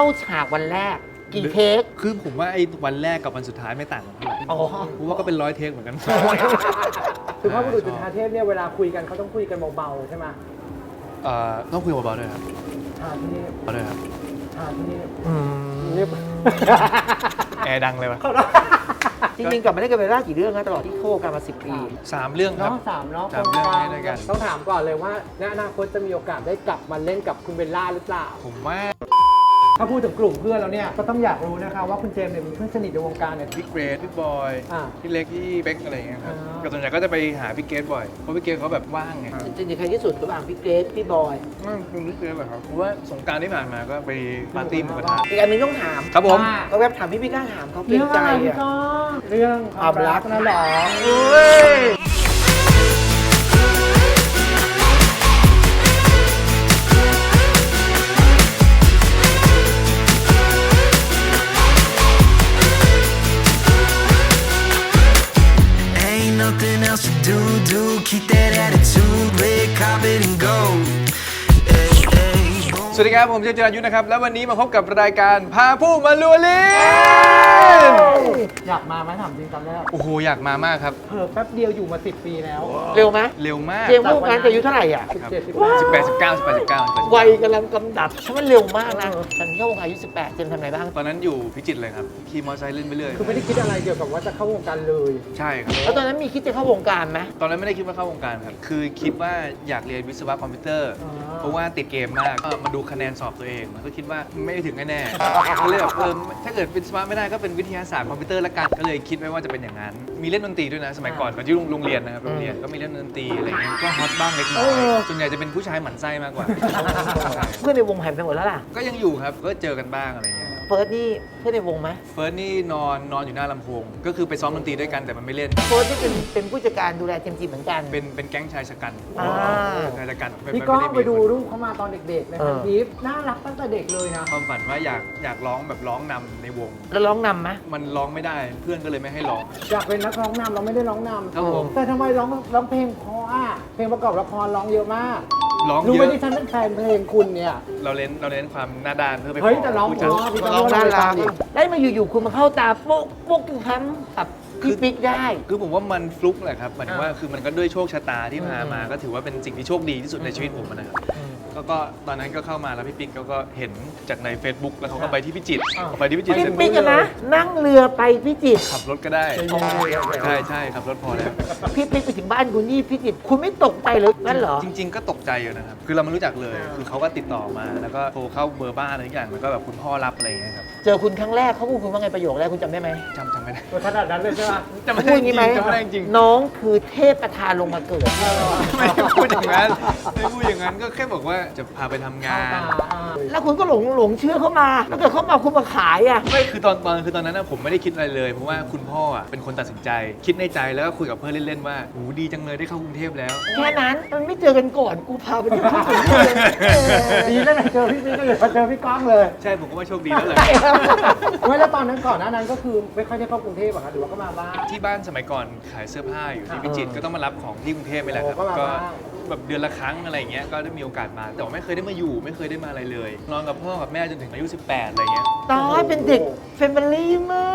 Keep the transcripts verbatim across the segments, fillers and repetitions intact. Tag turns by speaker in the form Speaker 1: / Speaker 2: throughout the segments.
Speaker 1: ฉากวันแรกกี่เทค
Speaker 2: คือผมว่าไอ้วันแรกกับวันสุดท้ายไม่ต่างกันเท่าไหร่
Speaker 1: อ๋อ
Speaker 2: ผมว่าก็เป็นร้อยเทคเหมือนกัน
Speaker 3: คือพระบุรุษจุฑาเทพเนี่ยเวลาคุยกันเขาต้องคุยกันเบาๆใช่ไหม
Speaker 2: เอ่อต้องคุยเบาๆด้วยครับ
Speaker 3: อ่าที่นี่
Speaker 2: เบาด้วยครับ
Speaker 3: อ่าที่นี่เรียบ
Speaker 2: แอร์ดังเลยวะ
Speaker 1: จริงๆกลับมาได้กันไปล่ากี่เรื่องนะตลอดที่โคกันมาสิบปี
Speaker 2: สามเรื่องครับ
Speaker 3: เนาะสามเนาะ
Speaker 2: สามเรื่องให้ด้วยกัน
Speaker 3: ต้องถามก่อนเลยว่าในอนาคตจะมีโอกาสได้กลับมาเล่นกับคุณเบลล่าหรือเปล่า
Speaker 2: ผมว่า
Speaker 3: ถ้าพูดถึงกลุ่มเพื่อนแล้วเนี่ยก็ต้องอยากรู้นะคะว่าคุณเจมส์เนี่ยมีเพื่อนสนิทในวงการเนี่ย
Speaker 2: พี่เกรดพี่บอย
Speaker 3: อ่า
Speaker 2: พี่เล็กพี่เบ๊กอะไรอย่างเงี้ยครับ
Speaker 3: อ่า
Speaker 2: ก็ส่วนใหญ่ก็จะไปหาพี่เกรดบ่อยเพราะพี่เกรดเขาแบบว่างไง
Speaker 1: จริงๆใครที่สุดระหว่างพี่เกรซพี่บอย
Speaker 2: ว่างคุณพี่เกรดเหรอครับเพราะว่าสงกรารที่ผ่านมาก็ไปปาร์ตี้หมูกระทะ
Speaker 1: อีกอันหนึงต้องถาม
Speaker 2: ครับผม
Speaker 3: ว่า
Speaker 1: ก็แวบถามพี่พี่กล้าถามเขาเกร
Speaker 3: เรื่อง
Speaker 1: งใจ
Speaker 3: อะไรพี่
Speaker 1: อ่ะ
Speaker 3: ก้องเรื่องความรักนะเหรอ
Speaker 1: เฮ้ย
Speaker 4: Ain't nothing else to do, do keep that attitude, red carpet and gold. Hey, hey, boom.
Speaker 2: สวัสดีครับผมเจมส์จิรายุนะครับแล้ววันนี้มาพบกับรายการพาผู้มาลัวลิน
Speaker 3: อยากมาไหมถามจริงตอนแรก
Speaker 2: โอ้โหอยากมามากครับ
Speaker 3: เพิ่แป๊บเดียวอยู่มาสิบปีแล้ว
Speaker 1: เร็วไหม
Speaker 2: เร็วมาก
Speaker 1: เจมส์พูดงานแต่อายุเท่าไหร่อ่ะ
Speaker 3: สิบเจ็ดสิบ
Speaker 2: สิบ
Speaker 3: แป
Speaker 2: แป
Speaker 3: ด
Speaker 2: ดสิบเก้าสิบแปดสิบเก้า
Speaker 1: วัยกำลังกำดับฉันมันเร็วมากนะฉันเข้าวงการอายุสิบแปดเจมส์ทำอะไรบ้าง
Speaker 2: ตอนนั้นอยู่พิจิตรเลยครับขี่มอเตอร์ไซค์เล่นไปเรื่อย
Speaker 3: คือไม่ได้คิดอะไรเกี่ยวกับว่าจะเข้าวงการเลย
Speaker 2: ใช่ครับ
Speaker 1: แล้วตอนนั้นมีคิดจะเข้าวงการไหม
Speaker 2: ตอนนั้นไม่ได้คิดว่าเข้าวงการครับ คือคิดว่าอยากเรียนวิศวะคอมพิวเตอร์
Speaker 3: อ๋อ
Speaker 2: เพราะว่าติดเกมมากก็มาดูคะแนนสอบตัวเอง มันก็คิดว่าไม่ถึงแน่ๆก็เลยแบบเออถ้าเกิดเป็นวิศวะไม่ได้ก็เป็นวิทยาศาสตร์คอมพิวเตอร์ละกัน ก็เลยคิดไว้ว่าจะเป็นอย่างนั้น มีเล่นดนตรีด้วยนะ สมัยก่อนตอนที่โรงเรียนนะครับ โรงเรียนก็มีเล่นดนตรีอะไรอย่างเงี้ย ก็ฮอตบ้างเล็กน้อย ส่วนใหญ่จะเป็นผู้ชายหมั่นไส้มากกว่าใช่
Speaker 1: เพื่อนในวงหายไปหมดแล้วล่ะ
Speaker 2: ก็ยังอยู่ครับ ก็เจอกันบ้างอะไรอย่างเงี้ย
Speaker 1: เฟิร์สนี่เพื่อนในวงไหม
Speaker 2: เฟิร์สนี่นอนนอนอยู่หน้าลำโพง ก็คือไปซ้อมดนตรีด้วยกันแต่มันไม่เล่น
Speaker 1: เฟิร์สนี่เป็นเป็นผู้จัดการดูแลเจมส์จีเหมือนกัน
Speaker 2: เป็นเป็นแก๊งชายชะกัน
Speaker 1: อ่า
Speaker 2: ชายชะกันม่
Speaker 3: พี่
Speaker 2: ม่
Speaker 3: ก้อง
Speaker 2: ม่
Speaker 3: ไปดู
Speaker 2: มีคน
Speaker 3: รูปเขามาตอนเด็กๆใน
Speaker 1: เอ
Speaker 3: พั
Speaker 1: อ
Speaker 3: นทิปน่ารักตั้งแต่เด็กเลยนะ
Speaker 2: ความฝันว่าอยากอยากร้องแบบร้องนำในวง
Speaker 1: แล้วร้องนำไหม
Speaker 2: มันร้องไม่ได้เพื่อนก็เลยไม่ให้ร้อง
Speaker 3: อยากเป็นนักร้องนำเราไม่ได้ร้องน
Speaker 2: ครับผม
Speaker 3: ำแต่ทำไมร้องร้องเพลงเพราะอ่ะเพลงประกอบละครร้องเยอะมาก
Speaker 2: ร้อง
Speaker 3: รู้
Speaker 2: เย
Speaker 3: ไหม
Speaker 2: อะ
Speaker 3: ที่ฉันเป็นแฟนเพลงคุณเนี่ย
Speaker 2: เราเน้นเราเน้นความหน้าด้านเพื่อไป
Speaker 3: เฮ้ย
Speaker 2: ข
Speaker 3: แต่ร้อง
Speaker 2: ผู้
Speaker 3: เพ
Speaker 2: จัด
Speaker 3: ราะพี่ก้
Speaker 1: ร้องน่ารัก
Speaker 3: ดิ
Speaker 1: ได้มาอยู่ๆคุณมาเข้าตาโป๊กโป๊กทุกครั้งกับพี่ปิ๊กได้
Speaker 2: คือผมว่ามันฟลุกแหละครับหมายถึงว่า
Speaker 1: อ่า
Speaker 2: คือมันก็ด้วยโชคชะตาที่พามา
Speaker 1: อืม
Speaker 2: ก็ถือว่าเป็นสิ่งที่โชคดีที่สุดในชีวิตผมนะครับก็ก็ตอนนั้นก็เข้ามาแล้วพี่ปิ๊กเขาก็เห็นจากใน Facebook แล้วเขาก็ไปที่พิจิตร
Speaker 3: อ่า
Speaker 2: เขาไปที่พิจิตร
Speaker 1: พี่
Speaker 2: เสร็จ
Speaker 1: ปิ๊กอะนะนั่งเรือไปพิจิตร
Speaker 2: ขับรถก็ได้ ใช่ใช่ขับรถพอแล้ว
Speaker 1: พี่ปิ๊กไปถึงบ้านคุณนี่พิจิตรคุณไม่ตกใจเลยนั่นเหรอ
Speaker 2: จริง ๆ ก็ตกใจอยู่นะครับ คือเราไม่รู้จักเลย คือเขาก็ติดต่อมา แล้วก็โทรเข้าเบอร์บ้านอะไรทุกอย่าง แล้วก็แบบคุณพ่อรับอะไรอย่างเงี้ยครับ
Speaker 1: เจอคุณครั้งแรกเขาพูดคุณว่าไงประโยคแรกคุณจำได้ไหม
Speaker 2: จำจำไม่ได้
Speaker 3: ขนาดนั้นเลยใช่ไหม
Speaker 2: จำไม่
Speaker 1: พู
Speaker 2: ได้
Speaker 1: ด
Speaker 2: จ
Speaker 1: งี้
Speaker 2: ริง
Speaker 1: ไหม
Speaker 2: จำไม่ได้จริง
Speaker 1: น้องคือเทพประธานลงมาเกิด
Speaker 2: ไม่ได้พูดอย่างนั้นไม่พูดอย่างนั้น ก็แค่บอกว่าจะพาไปทำงาน
Speaker 1: แล้วคุณก็หลงหลงเชื่อเขามาแล้วเกิดเขามาคุณมาขายอ่ะ
Speaker 2: ไม่คือตอนตอนคือตอนนั้นนะผมไม่ได้คิดอะไรเลย เพราะว่าคุณพ่ออ่ะเป็นคนตัดสินใจ คิดในใจแล้วก็คุยกับเพื่อนเล่นๆว่าโหดีจังเลยได้เข้ากรุงเทพแล้ว
Speaker 1: แค่นั้นมันไม่เจอกันก่อนกูพาไปที่บ้าน
Speaker 3: ดีแล้วนะเจอพี่ปิ๊กก็เลยมาเจอพี่ก้องเลย
Speaker 2: ใช่ผมก็ว่าโชคดีแล้วเลย
Speaker 3: ไม่แล้วตอนนั้นก่อนหน้านั้นก็คือไม่ค่อยได้เข้ากรุงเทพอะคะหรือว่าก็มาบ้าง
Speaker 2: ที่บ้านสมัยก่อนขายเสื้อผ้าอยู่ที่พิจิตรก็ต้องมารับของที่กรุงเทพไปแหละครับ
Speaker 3: โอ้ก็มา
Speaker 2: ก็
Speaker 3: บ้าง
Speaker 2: แบบเดือนละครั้งอะไรอย่างเงี้ยก็ได้มีโอกาสมาแต่ว่าไม่เคยได้มาอยู่ ไม่เคยได้มาอะไรเลย นอนกับพ่อกับแม่จนถึงอายุสิบแปดอะไรเงี้ย
Speaker 1: ตายเป็นเด็กเฟมิลี่มาก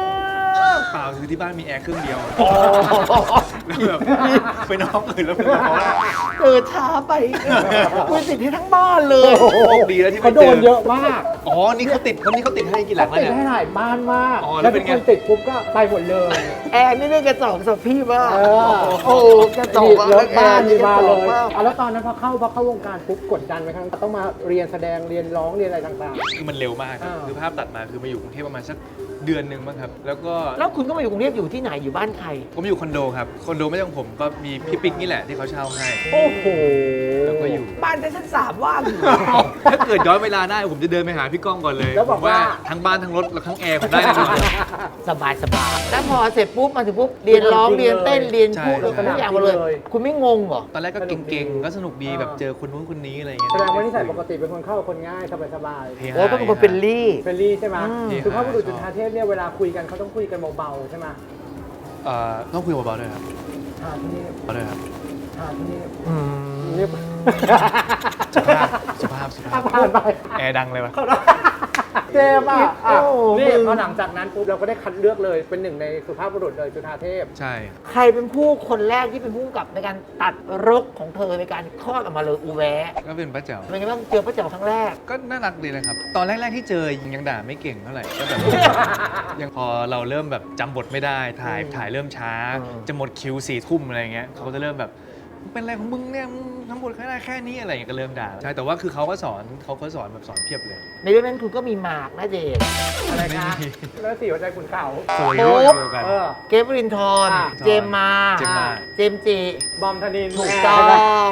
Speaker 2: เปล่าคือที่บ้านมีแอร์เครื่องเดียวแล้วแบบไปนอนอื่นแล้วเป็นร้อน
Speaker 1: เกิดช้าไปคุณติดให้ทั้งบ้านเลย
Speaker 2: โชคดีแล้วที่
Speaker 3: เขา
Speaker 2: ไม่
Speaker 3: โด
Speaker 2: เจอน
Speaker 3: เยอะมาก
Speaker 2: อ๋อนี่เขาติดคนนี้เขาติดให้กี่หลังแล้ว
Speaker 3: ติด
Speaker 2: เนี่ย
Speaker 3: ให้หลายบ้านมาก
Speaker 2: อ๋อแล้
Speaker 3: แล้ว ว
Speaker 2: เป็
Speaker 3: เป็น น
Speaker 2: ไง
Speaker 3: คนติดปุ๊บก็ไปหมดเลย
Speaker 1: แอร์นี่เรื่องกระจอกสับพี่มาก
Speaker 3: เออ
Speaker 1: โอ้กระจอก
Speaker 3: รถบ้านมีมาเลย
Speaker 1: มาก
Speaker 3: อ่ะแล้วตอนนั้นพอเข้าพอเข้าวงการปุ๊บกดดันไหมครับต้องมาเรียนแสดงเรียนร้องเรียนอะไรต่าง
Speaker 2: คือมันเร็วมากครับ
Speaker 3: อ่า
Speaker 2: คือภาพตัดมาคือมาอยู่กรุงเทพประมาณสักเดือนหนึ่งมั้งครับแล้วก็
Speaker 1: แล้วคุณก็มาอยู่กรุงเทพอยู่ที่ไหนอยู่บ้านใคร
Speaker 2: ผมอยู่คอนโดครับคอนโดไม่ใช่ของผมก็มีพี่ปิ๊กนี่แหละที่เขาเช่าให้
Speaker 3: ๆ โอ้โห
Speaker 2: แล้วก็อยู่
Speaker 1: บ้านชั้นสามว่างอยู่
Speaker 2: ถ้าเกิดย้อนเวลาได้ผมจะเดินไปหาพี่ก้องก่อนเลย
Speaker 3: แล้วบอก
Speaker 2: ผม
Speaker 3: ว่า
Speaker 2: ทั้งบ้านทั้งรถและทั้งแอร์ผมได้แน่นอน
Speaker 1: สบายสบายแล้วพอเสร็จปุ๊บมาถึงปุ๊บเรียนร้องเรียนเต้นเรียนพูด
Speaker 2: ใช่
Speaker 1: ทุกอย่างมาเลย คุณไม่งงเหรอ
Speaker 2: ตอนแรกก็เก่งๆ ก็สนุกดีแบบเจอคนนู้นคนนี้อะไรอย่างเงี้ย
Speaker 3: แสดงว่านิสัยปกติเป็นคนเข้ากับคนง่ายสบาย
Speaker 2: เฮฮา
Speaker 1: โอ้เป็นคนเป็นลี่
Speaker 3: ๆเฟรนลี่ใช่ไหม
Speaker 1: อืม
Speaker 3: คือพระบุรุษจุฑาเทพเนี่ยเวลาคุยกันเขาต้องคุยกันเบาๆใช่ไหม
Speaker 2: เอ่อต้องคุยเบาๆด้วยครับ
Speaker 3: อ่าที่นี่
Speaker 2: เบาๆด้วยครับ
Speaker 3: อ่าที่นี่
Speaker 1: อืม
Speaker 3: เรียบ
Speaker 2: สุภาพสุภาพสุภาพ
Speaker 3: ผ่านไป
Speaker 2: แอร์ดังเลยวะ
Speaker 3: เจมส์อ่ะ
Speaker 1: โอ้โห
Speaker 3: นี่
Speaker 1: มึง
Speaker 3: พอหลังจากนั้นปุ๊บเราก็ได้คัดเลือกเลยเป็นหนึ่งในสุภาพบุรุษเลยจุฑาเทพ
Speaker 2: ใช่
Speaker 1: ใครเป็นผู้คนแรกที่เป็นผู้กำกับในการตัดรกของเธอในการคลอดออกมาเลยอูแวะ
Speaker 2: ก็เป็นป้าแจ๋ว
Speaker 1: เป็นไงบ้างเจอพระเจ้าครั้งแรก
Speaker 2: ก็น่ารักดีนะครับ ตอนแรก ๆ ที่เจอยังด่าไม่เก่งเท่าไหร่ก็แบบ ยังพอเราเริ่มแบบจำบทไม่ได้ถ่ายถ่ายเริ่มช้า
Speaker 1: อืม
Speaker 2: จะหมดคิวสี่ทุ่มอะไรเงี้ยเขาก็จะเริ่มแบบมึงเป็นอะไรของมึงเนี่ยมึงทำบทแค่ได้แค่นี้อะไรอย่างเงี้ยก็เริ่มด่าใช่แต่ว่าคือเขาก็สอนเขาก็สอนแบบสอนเพียบเลย
Speaker 1: ในเรื่องนั้นคุณก็มีหมากนะเจด
Speaker 3: อะไร
Speaker 2: ไม่
Speaker 3: คะ
Speaker 2: มี
Speaker 3: แล้วสี่หัวใจขุนเขา
Speaker 2: คนละเรื่องเดียวกัน
Speaker 3: เออ
Speaker 1: เกฟรินทร์
Speaker 3: อ่ะ
Speaker 1: เจมมา
Speaker 2: เจมมา
Speaker 1: เจมส์จิ
Speaker 3: บอมธนิน
Speaker 1: ถูกต้อง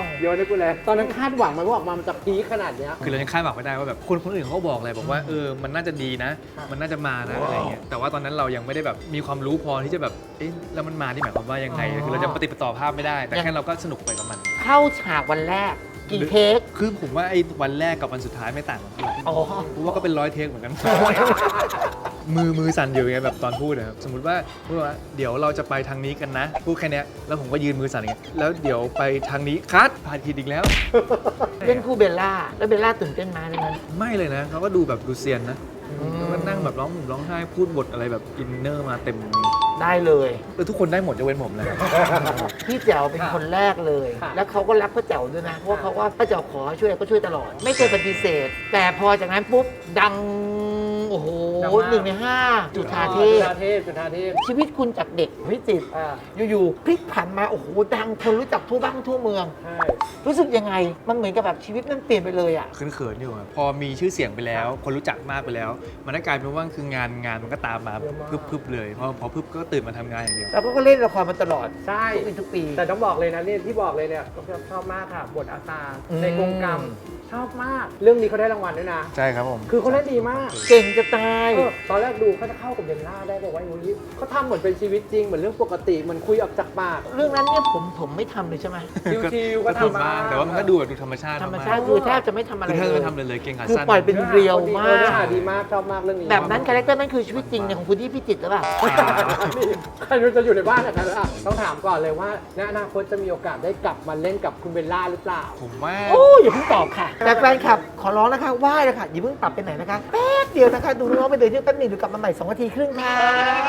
Speaker 3: โยนให้กูเลย ตอนนั้นคาดหวังไหมว่าออกมามันจะพีคขนาดเนี้ย
Speaker 2: คือเรายังคาดหวังไม่ได้ว่าแบบคนคนอื่นเขาก็บอกเลยบอกว่าเออมันน่าจะดีนะ มันน่าจะมานะอะไรเงี้ยแต่ว่าตอนนั้นเรายังไม่ได้แบบมีความรู้พอที่จะแบบเอ๊ะแล้วมันมาที่หมายความว่ายังไงคือเราจะปฏิปต่อภาพไม่ได้ แต่แค่เราก็สนุกไปกับมัน
Speaker 1: เข้าฉากวันแรก กี่เทค
Speaker 2: คือผมว่าไอ้วันแรกกับวันสุดท้ายไม่ต่างกันเท่าไหร่
Speaker 1: อ๋อ
Speaker 2: ผมว่าก็เป็นร้อยเทคเหมือนกัน มือมือสั่นอยู่ไงแบบตอนพูดนะครับสมมติว่าพูดว่าเดี๋ยวเราจะไปทางนี้กันนะพูดแค่เนี้ยแล้วผมก็ยืนมือสั่นอย่างเงี้ยแล้วเดี๋ยวไปทางนี้คัดผ่านผิดอีกแล้ว
Speaker 1: เล่นคู่เบลล่า แล้วเบลล่าตื่นเต้นไหมาในนั้น
Speaker 2: ไม่เลยนะเขาก็ดูแบบดูเซียนนะแล้วก็นั่งแบบร้องห่มร้องไห้พูดบทอะไรแบบอินเนอร์มาเต็ม
Speaker 1: ได้เลย
Speaker 2: เออทุกคนได้หมดยกเว้นผมเลย
Speaker 1: พี่แจ๋วเป็นคนแรกเลย
Speaker 3: ค่ะ
Speaker 1: แล้วเขาก็รักพระแจ๋วด้วยนะ เพราะว่าเขาว่าพระแจ๋วขอช่วยก็ช่วยตลอด ไม่เคยปฏิเสธ แต่พอจากนั้นปุ๊บ ดัง โอ้โห
Speaker 3: ดังมาก
Speaker 1: หนึ่งในห้าจุฑาเท
Speaker 3: จุ
Speaker 1: พ
Speaker 3: ฑาเทพจุฑาเทพ
Speaker 1: ชีวิตคุณจากเด็กวิจิตร
Speaker 3: อ่า
Speaker 1: อยู่ๆพลิกผันมา โอ้โห ดังคนรู้จักทั่วบ้านทั่วเมือง
Speaker 3: ใช่
Speaker 1: รู้สึกยังไง มันเหมือนกับแบบชีวิตมันเปลี่ยนไปเลยอ่ะ
Speaker 2: เขินๆอยู่อะพอมีชื่อเสียงไปแล้ว คนรู้จักมากไปแล้ว มันก็กลายเป็นว่าคืองานงานมันก็ตามมา
Speaker 3: เยอะมาก
Speaker 2: พึบๆเลยพอพอพึบก็ตื่นมาทำงานอย่างเดียว
Speaker 1: แล้วก็เล่นละครมาตลอด
Speaker 3: ใช่
Speaker 1: ทุกปีทุกปี
Speaker 3: แต่ต้องบอกเลยนะเนี่ยที่บอกเลยเนี่ยก็ชอบมากค่ะ บทอาซา
Speaker 1: อืม
Speaker 3: ในกรงกรรมชอบมาก เรื่องนี้เขาได้รางวัลด้วยนะ
Speaker 2: ใช่ครับผม
Speaker 3: คือเขาเล่นดีมาก
Speaker 1: เก่งจะตาย
Speaker 3: เออตอนแรกดูเขาจะเข้ากับเบลล่าได้บอกว่าอย่างนี้เขาทำเหมือนเป็นชีวิตจริง เหมือนเรื่องปกติเหมือนคุยออกจากปาก
Speaker 1: เรื่องนั้นเนี่ยผมผมไม่ทำเลยใช่ไหม
Speaker 3: ชิวๆก็ทำ
Speaker 2: บ้างแต่ว่ามันก็ดูแบบดูธรรมชาติ
Speaker 1: ธรรม
Speaker 2: กๆ
Speaker 1: ชาติคือแทบจะไม่ทำอะไร
Speaker 2: คือแทบ
Speaker 1: เล
Speaker 2: ไม่
Speaker 1: ย
Speaker 2: ทำเลยเลยเก่งขา
Speaker 1: คือ
Speaker 2: สั้น
Speaker 1: ปล่อยเป็นเรียวมาก
Speaker 3: เนื้อหาดีมากชอบมากเรื่องนี้
Speaker 1: แบบนั้นคาแรคเตอร์นั้นคือชีวิตจริงเนี่ยของคุณที่พิจิตรหรือเปล่า
Speaker 3: นี่ใครรู้จะอยู่ในบ้านแบบนั้นอ่ะต้องถามก่อนเลยว่าในอนาคตจะมีโอกาสได้กลับมาเล่นกับคุณเบลล่าหรือเปล่า
Speaker 2: ผมว่า
Speaker 1: โอ้ยอย่าเพิ่งตอบค่ะ แต่แฟนคลับขอร้องนะคะไหว้เลยค่ะอย่าเพิ่งปรับไปไหนนะคะแป๊บเดียวนะคะดูน้องๆไปเดินเที่ยวแป๊บหนึ่งเดี๋ยวกลับมาใหม่สองนาทีครึ่งค่ะ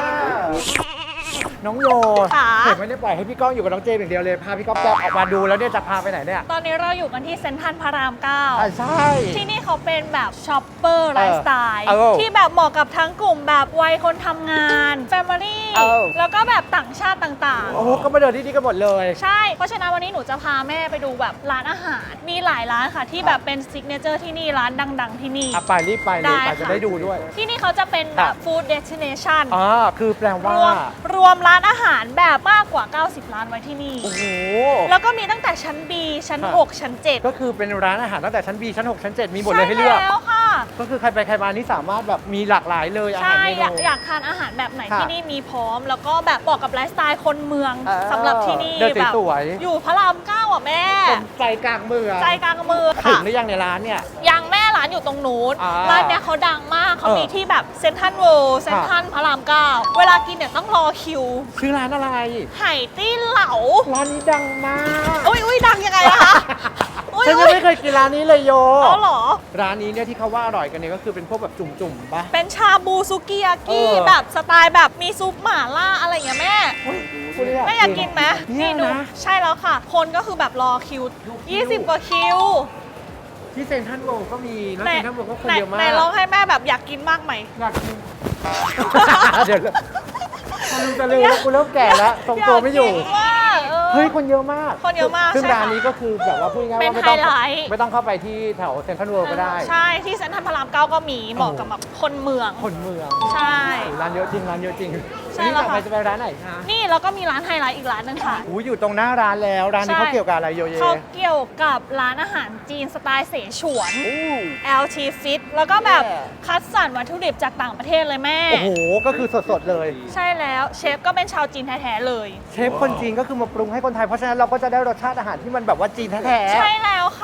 Speaker 3: น้องโย
Speaker 5: ค่ะ
Speaker 3: เห็นไม่ได้ปล่อยให้พี่ก้องอยู่กับน้องเจมส์อย่างเดียวเลย พาพี่ก้องออกมาดูแล้วเนี่ยจะพาไปไหนเนี่ย
Speaker 5: ตอนนี้เราอยู่กันที่เซ็นทรัลพระรามเก้า
Speaker 3: อ่าใช่
Speaker 5: ที่นี่เขาเป็นแบบช็อปเปอร์ไลฟ์สไตล์
Speaker 3: เออ
Speaker 5: ที่แบบเหมาะกับทั้งกลุ่มแบบวัยคนทำงาน แฟมิลี่
Speaker 3: เออ
Speaker 5: แล้วก็แบบต่างชาติต่าง
Speaker 3: โอ้โหก็มาเดินที่นี่กันหมดเลย
Speaker 5: ๆ ใช่ เพราะฉะนั้นวันนี้หนูจะพาแม่ไปดูแบบร้านอาหาร มีหลายร้านค่ะที่แบบเป็นซิกเนเจอร์ที่นี่ร้านดัง ๆ ที่นี่
Speaker 3: อ่ะไปรีบไปเลยไปจะได้ดูด้วย
Speaker 5: ที่นี่เขาจะเป็นแบบฟู้ดเดสติเนชั่น
Speaker 3: อ่าคือแปล
Speaker 5: ร
Speaker 3: ว่า
Speaker 5: วมรวมร้านอาหารแบบมากกว่า เก้าสิบ ร้านไว้ที่นี่
Speaker 3: โอ้โห
Speaker 5: แล้วก็มีตั้งแต่ชั้น B ชั้น
Speaker 3: ค่ะ
Speaker 5: หก ชั้น เจ็ด
Speaker 3: ก็คือเป็นร้านอาหารตั้งแต่ชั้น B ชั้น 6 ชั้น เจ็ด มีหมดเลยให้เลือก
Speaker 5: ใช่แล้วค่ะ
Speaker 3: ก็คือใครไปใครมานี่สามารถแบบมีหลากหลายเลยอาหาร
Speaker 5: ใช่
Speaker 3: เม
Speaker 5: อยาก
Speaker 3: นู
Speaker 5: อยากทานอาหารแบบไหน
Speaker 3: ค่ะ
Speaker 5: ที่นี่มีพร้อม แล้วก็แบบบอกกับไลฟ์สไตล์คนเมือง
Speaker 3: เออ
Speaker 5: สำหรับที่นี่
Speaker 3: เดิน
Speaker 5: แบบ
Speaker 3: สวยๆ
Speaker 5: อยู่พระรามเก้าอ่ะแม่
Speaker 3: ใจกลางเมือง
Speaker 5: ใจกลางเมือง
Speaker 3: ถึ
Speaker 5: ค่ะ
Speaker 3: งหรือยังในร้านเนี่ย
Speaker 5: ยังแม่ร้านอยู่ตรงนู้น
Speaker 3: อ่า
Speaker 5: ร้านเนี้ยเขาดังมากเขา
Speaker 3: เออ
Speaker 5: มีที่แบบเซนทรัลเวิลด์เซนทรัลพระรามเก้าเวลากินเนี่ยต้องรอคิว
Speaker 3: ชื่อร้านอะไร
Speaker 5: ไห่ตี้เหลา
Speaker 3: ร้านนี้ดังมาก
Speaker 5: อุ้ยอุ้ยดังยังไงอะคะอุ้ย
Speaker 3: ฉัน
Speaker 5: อุ้
Speaker 3: ยัง
Speaker 5: ย
Speaker 3: ไม่เคยกินร้านนี้เลยโย
Speaker 5: เอาเหรอ
Speaker 3: ร้านนี้เนี่ยที่เขาว่าอร่อยกันเนี่ยก็คือเป็นพวกแบบจุ่มๆปะ
Speaker 5: เป็นชาบูซุกิยากิ
Speaker 3: เออ
Speaker 5: แบบสไตล์แบบมีซุปหม่าล่าอะไรอย่างเงี้ยแม่
Speaker 3: คุณเลย
Speaker 5: แม่อยากกินไหม
Speaker 3: เนี่
Speaker 5: นี่
Speaker 3: ย
Speaker 5: ดู
Speaker 3: นะ
Speaker 5: ใช่แล้วค่ะ คนก็คือแบบรอคิว ยี่สิบ กว่าคิว
Speaker 3: ที่เซ็นทรัลเวิลด์ก็มีแล้ว
Speaker 5: ไหน
Speaker 3: เซ็นทรัลเวิลด์ก็คน
Speaker 5: ไหน
Speaker 3: เยอะมาก
Speaker 5: ไหนลองให้แม่แบบอยากกินมากไหม
Speaker 3: อยากกิน เดี๋ยวคนลืมจะลืมแล้วกูเริ่มแก่แล้วทรงตัวไม่อยู่
Speaker 5: ากกินมากออ
Speaker 3: เฮ้ยคนเยอะมาก
Speaker 5: คนเยอะมาก
Speaker 3: ซึ่ง
Speaker 5: ใช่ค่ะ
Speaker 3: ร้านนี้ก็คือแบบว่าพูดง่ายๆ
Speaker 5: เป็น
Speaker 3: ว่าไม่ต้อง
Speaker 5: ไฮไลท์
Speaker 3: ไม่ต้องเข้าไปที่แถวเซ็นทรัลเวิลด์ก็ได้
Speaker 5: ใช่ที่เซ็นทรัลพระรามเก้าก็มีเหมาะกับแบบคนเมือง
Speaker 3: คนเมือง
Speaker 5: ใช่
Speaker 3: โอ้โหร้านเยอะจริงร้านเยอะจริง
Speaker 5: ใช่
Speaker 3: วันนี้
Speaker 5: แล้ว
Speaker 3: ต่อ
Speaker 5: ค่ะ
Speaker 3: ไปจะไปร้านไหนคะ
Speaker 5: นี่แล้วก็มีร้านไฮไลท์อีกร้านหนึงค่ะ
Speaker 3: อู้อยู่ตรงหน้าร้านแล้วร้านนี้
Speaker 5: ใช่
Speaker 3: เขาเกี่ยวกับอะไรโยเย
Speaker 5: เขาเกี่ยวกับร้านอาหารจีนสไตล์เสฉวน
Speaker 3: อู้
Speaker 5: แอล ที Fit แล้วก็แบบ
Speaker 3: แย่
Speaker 5: คัดสรรวัตถุดิบจากต่างประเทศเลยแม่
Speaker 3: โอ้โหก็คือสดๆเลย
Speaker 5: ใช่แล้วเชฟก็เป็นชาวจีนแท้ๆเลย
Speaker 3: เชฟคนจีนก็คือมาปรุงให้คนไทยเพราะฉะนั้นเราก็จะได้รสชาติอาหารที่มันแบบว่าจีนแท้ๆ
Speaker 5: ใช่แล้วค่ะ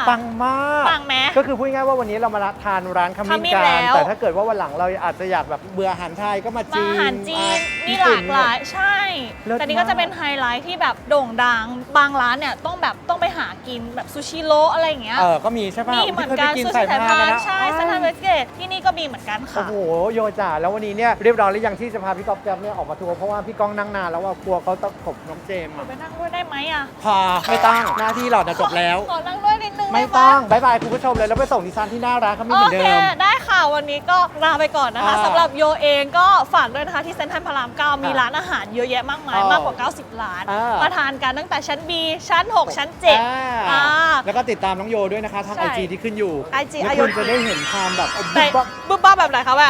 Speaker 3: ปังมาก
Speaker 5: ปังไหม
Speaker 3: ก็คือพูดง่ายๆว่าวันนี้เรามาทานร้านขมิ้น
Speaker 5: ขมิ้น
Speaker 3: กั
Speaker 5: แล้
Speaker 3: น
Speaker 5: ว
Speaker 3: แต่ถ้าเกิดว่าวันหลังเราอาจจะอยากแบบเบื่ออาหารไทยก็มา
Speaker 5: มา
Speaker 3: จีน
Speaker 5: อาหารจีน
Speaker 3: อ่ะ
Speaker 5: มี
Speaker 3: ญี่
Speaker 5: ห
Speaker 3: ปุ่
Speaker 5: ลากหลาย ใช่
Speaker 3: เลิศ
Speaker 5: แต่นี่ก็
Speaker 3: มาก
Speaker 5: จะเป็นไฮไลท์ที่แบบโด่งดัง บางร้านเนี่ยต้องแบบต้องไปหากินแบบซูชิโร่อะไรอย่างเงี้ย
Speaker 3: เออก็มีใช่ป่ะ
Speaker 5: มีเหมือนกัน
Speaker 3: ที่
Speaker 5: ซู
Speaker 3: เคย
Speaker 5: ชิ
Speaker 3: ไป
Speaker 5: ไทย
Speaker 3: กิน
Speaker 5: พา
Speaker 3: สายพาน
Speaker 5: น
Speaker 3: นะ
Speaker 5: ใช่เซนทรัลเวสเกตที่นี่ก็มีเหมือนกัน
Speaker 3: โอ้
Speaker 5: ค่ะ
Speaker 3: โหโยจ๋าแล้ววันนี้เนี่ยเรียบร้อยหรือยังที่จะพาพี่ก๊อฟแก๊ปเนี่ยออกมาทัวร์เพราะว่าพี่ก้องนั่งนานแล้วว่ากลัวเขาตะขบน้องเจมส์อะ
Speaker 5: ไปนั่งด้วยได้ไหมอ่ะ
Speaker 3: พาไม่ต้องหน้าที่เราจะจบแล้ว
Speaker 5: ขอนั่งด้วยนิดนึง
Speaker 3: ไม่
Speaker 5: ด้ห
Speaker 3: ต้องบายบายคุณผู้ชมเลยแล้วไปส่งดิฉันที่หน้าร้านเขาไม่เห
Speaker 5: โอ
Speaker 3: มือน
Speaker 5: เค
Speaker 3: เดิม
Speaker 5: ได้ค่ะวันนี้ก็ลาไปก่อนนะคะ
Speaker 3: อ่า
Speaker 5: สำหรับโยเองก็ฝากด้วยนะคะที่เซ็นทรัลพระรามเก้ามี
Speaker 3: อ่า
Speaker 5: ร้านอาหารเยอะแยะมากมาย
Speaker 3: อ๋อ
Speaker 5: มากกว่า เก้าสิบ ร้าน
Speaker 3: อ่าม
Speaker 5: มาทานกันตั้งแต่ชั้น B ชั้น หก ชั้น เจ็ด
Speaker 3: อ่า
Speaker 5: อ่า
Speaker 3: แล้วก็ติดตามน้องโยด้วยนะคะทาง
Speaker 5: ใช่
Speaker 3: ไอจีที่ขึ้นอยู่
Speaker 5: ไอจี
Speaker 3: แล้ว
Speaker 5: อายุ
Speaker 3: คุณจะได้เห็นความแบบเอา
Speaker 5: แต่
Speaker 3: บุ๊บ
Speaker 5: บึ้บบ้าแบบไหนคะแบบ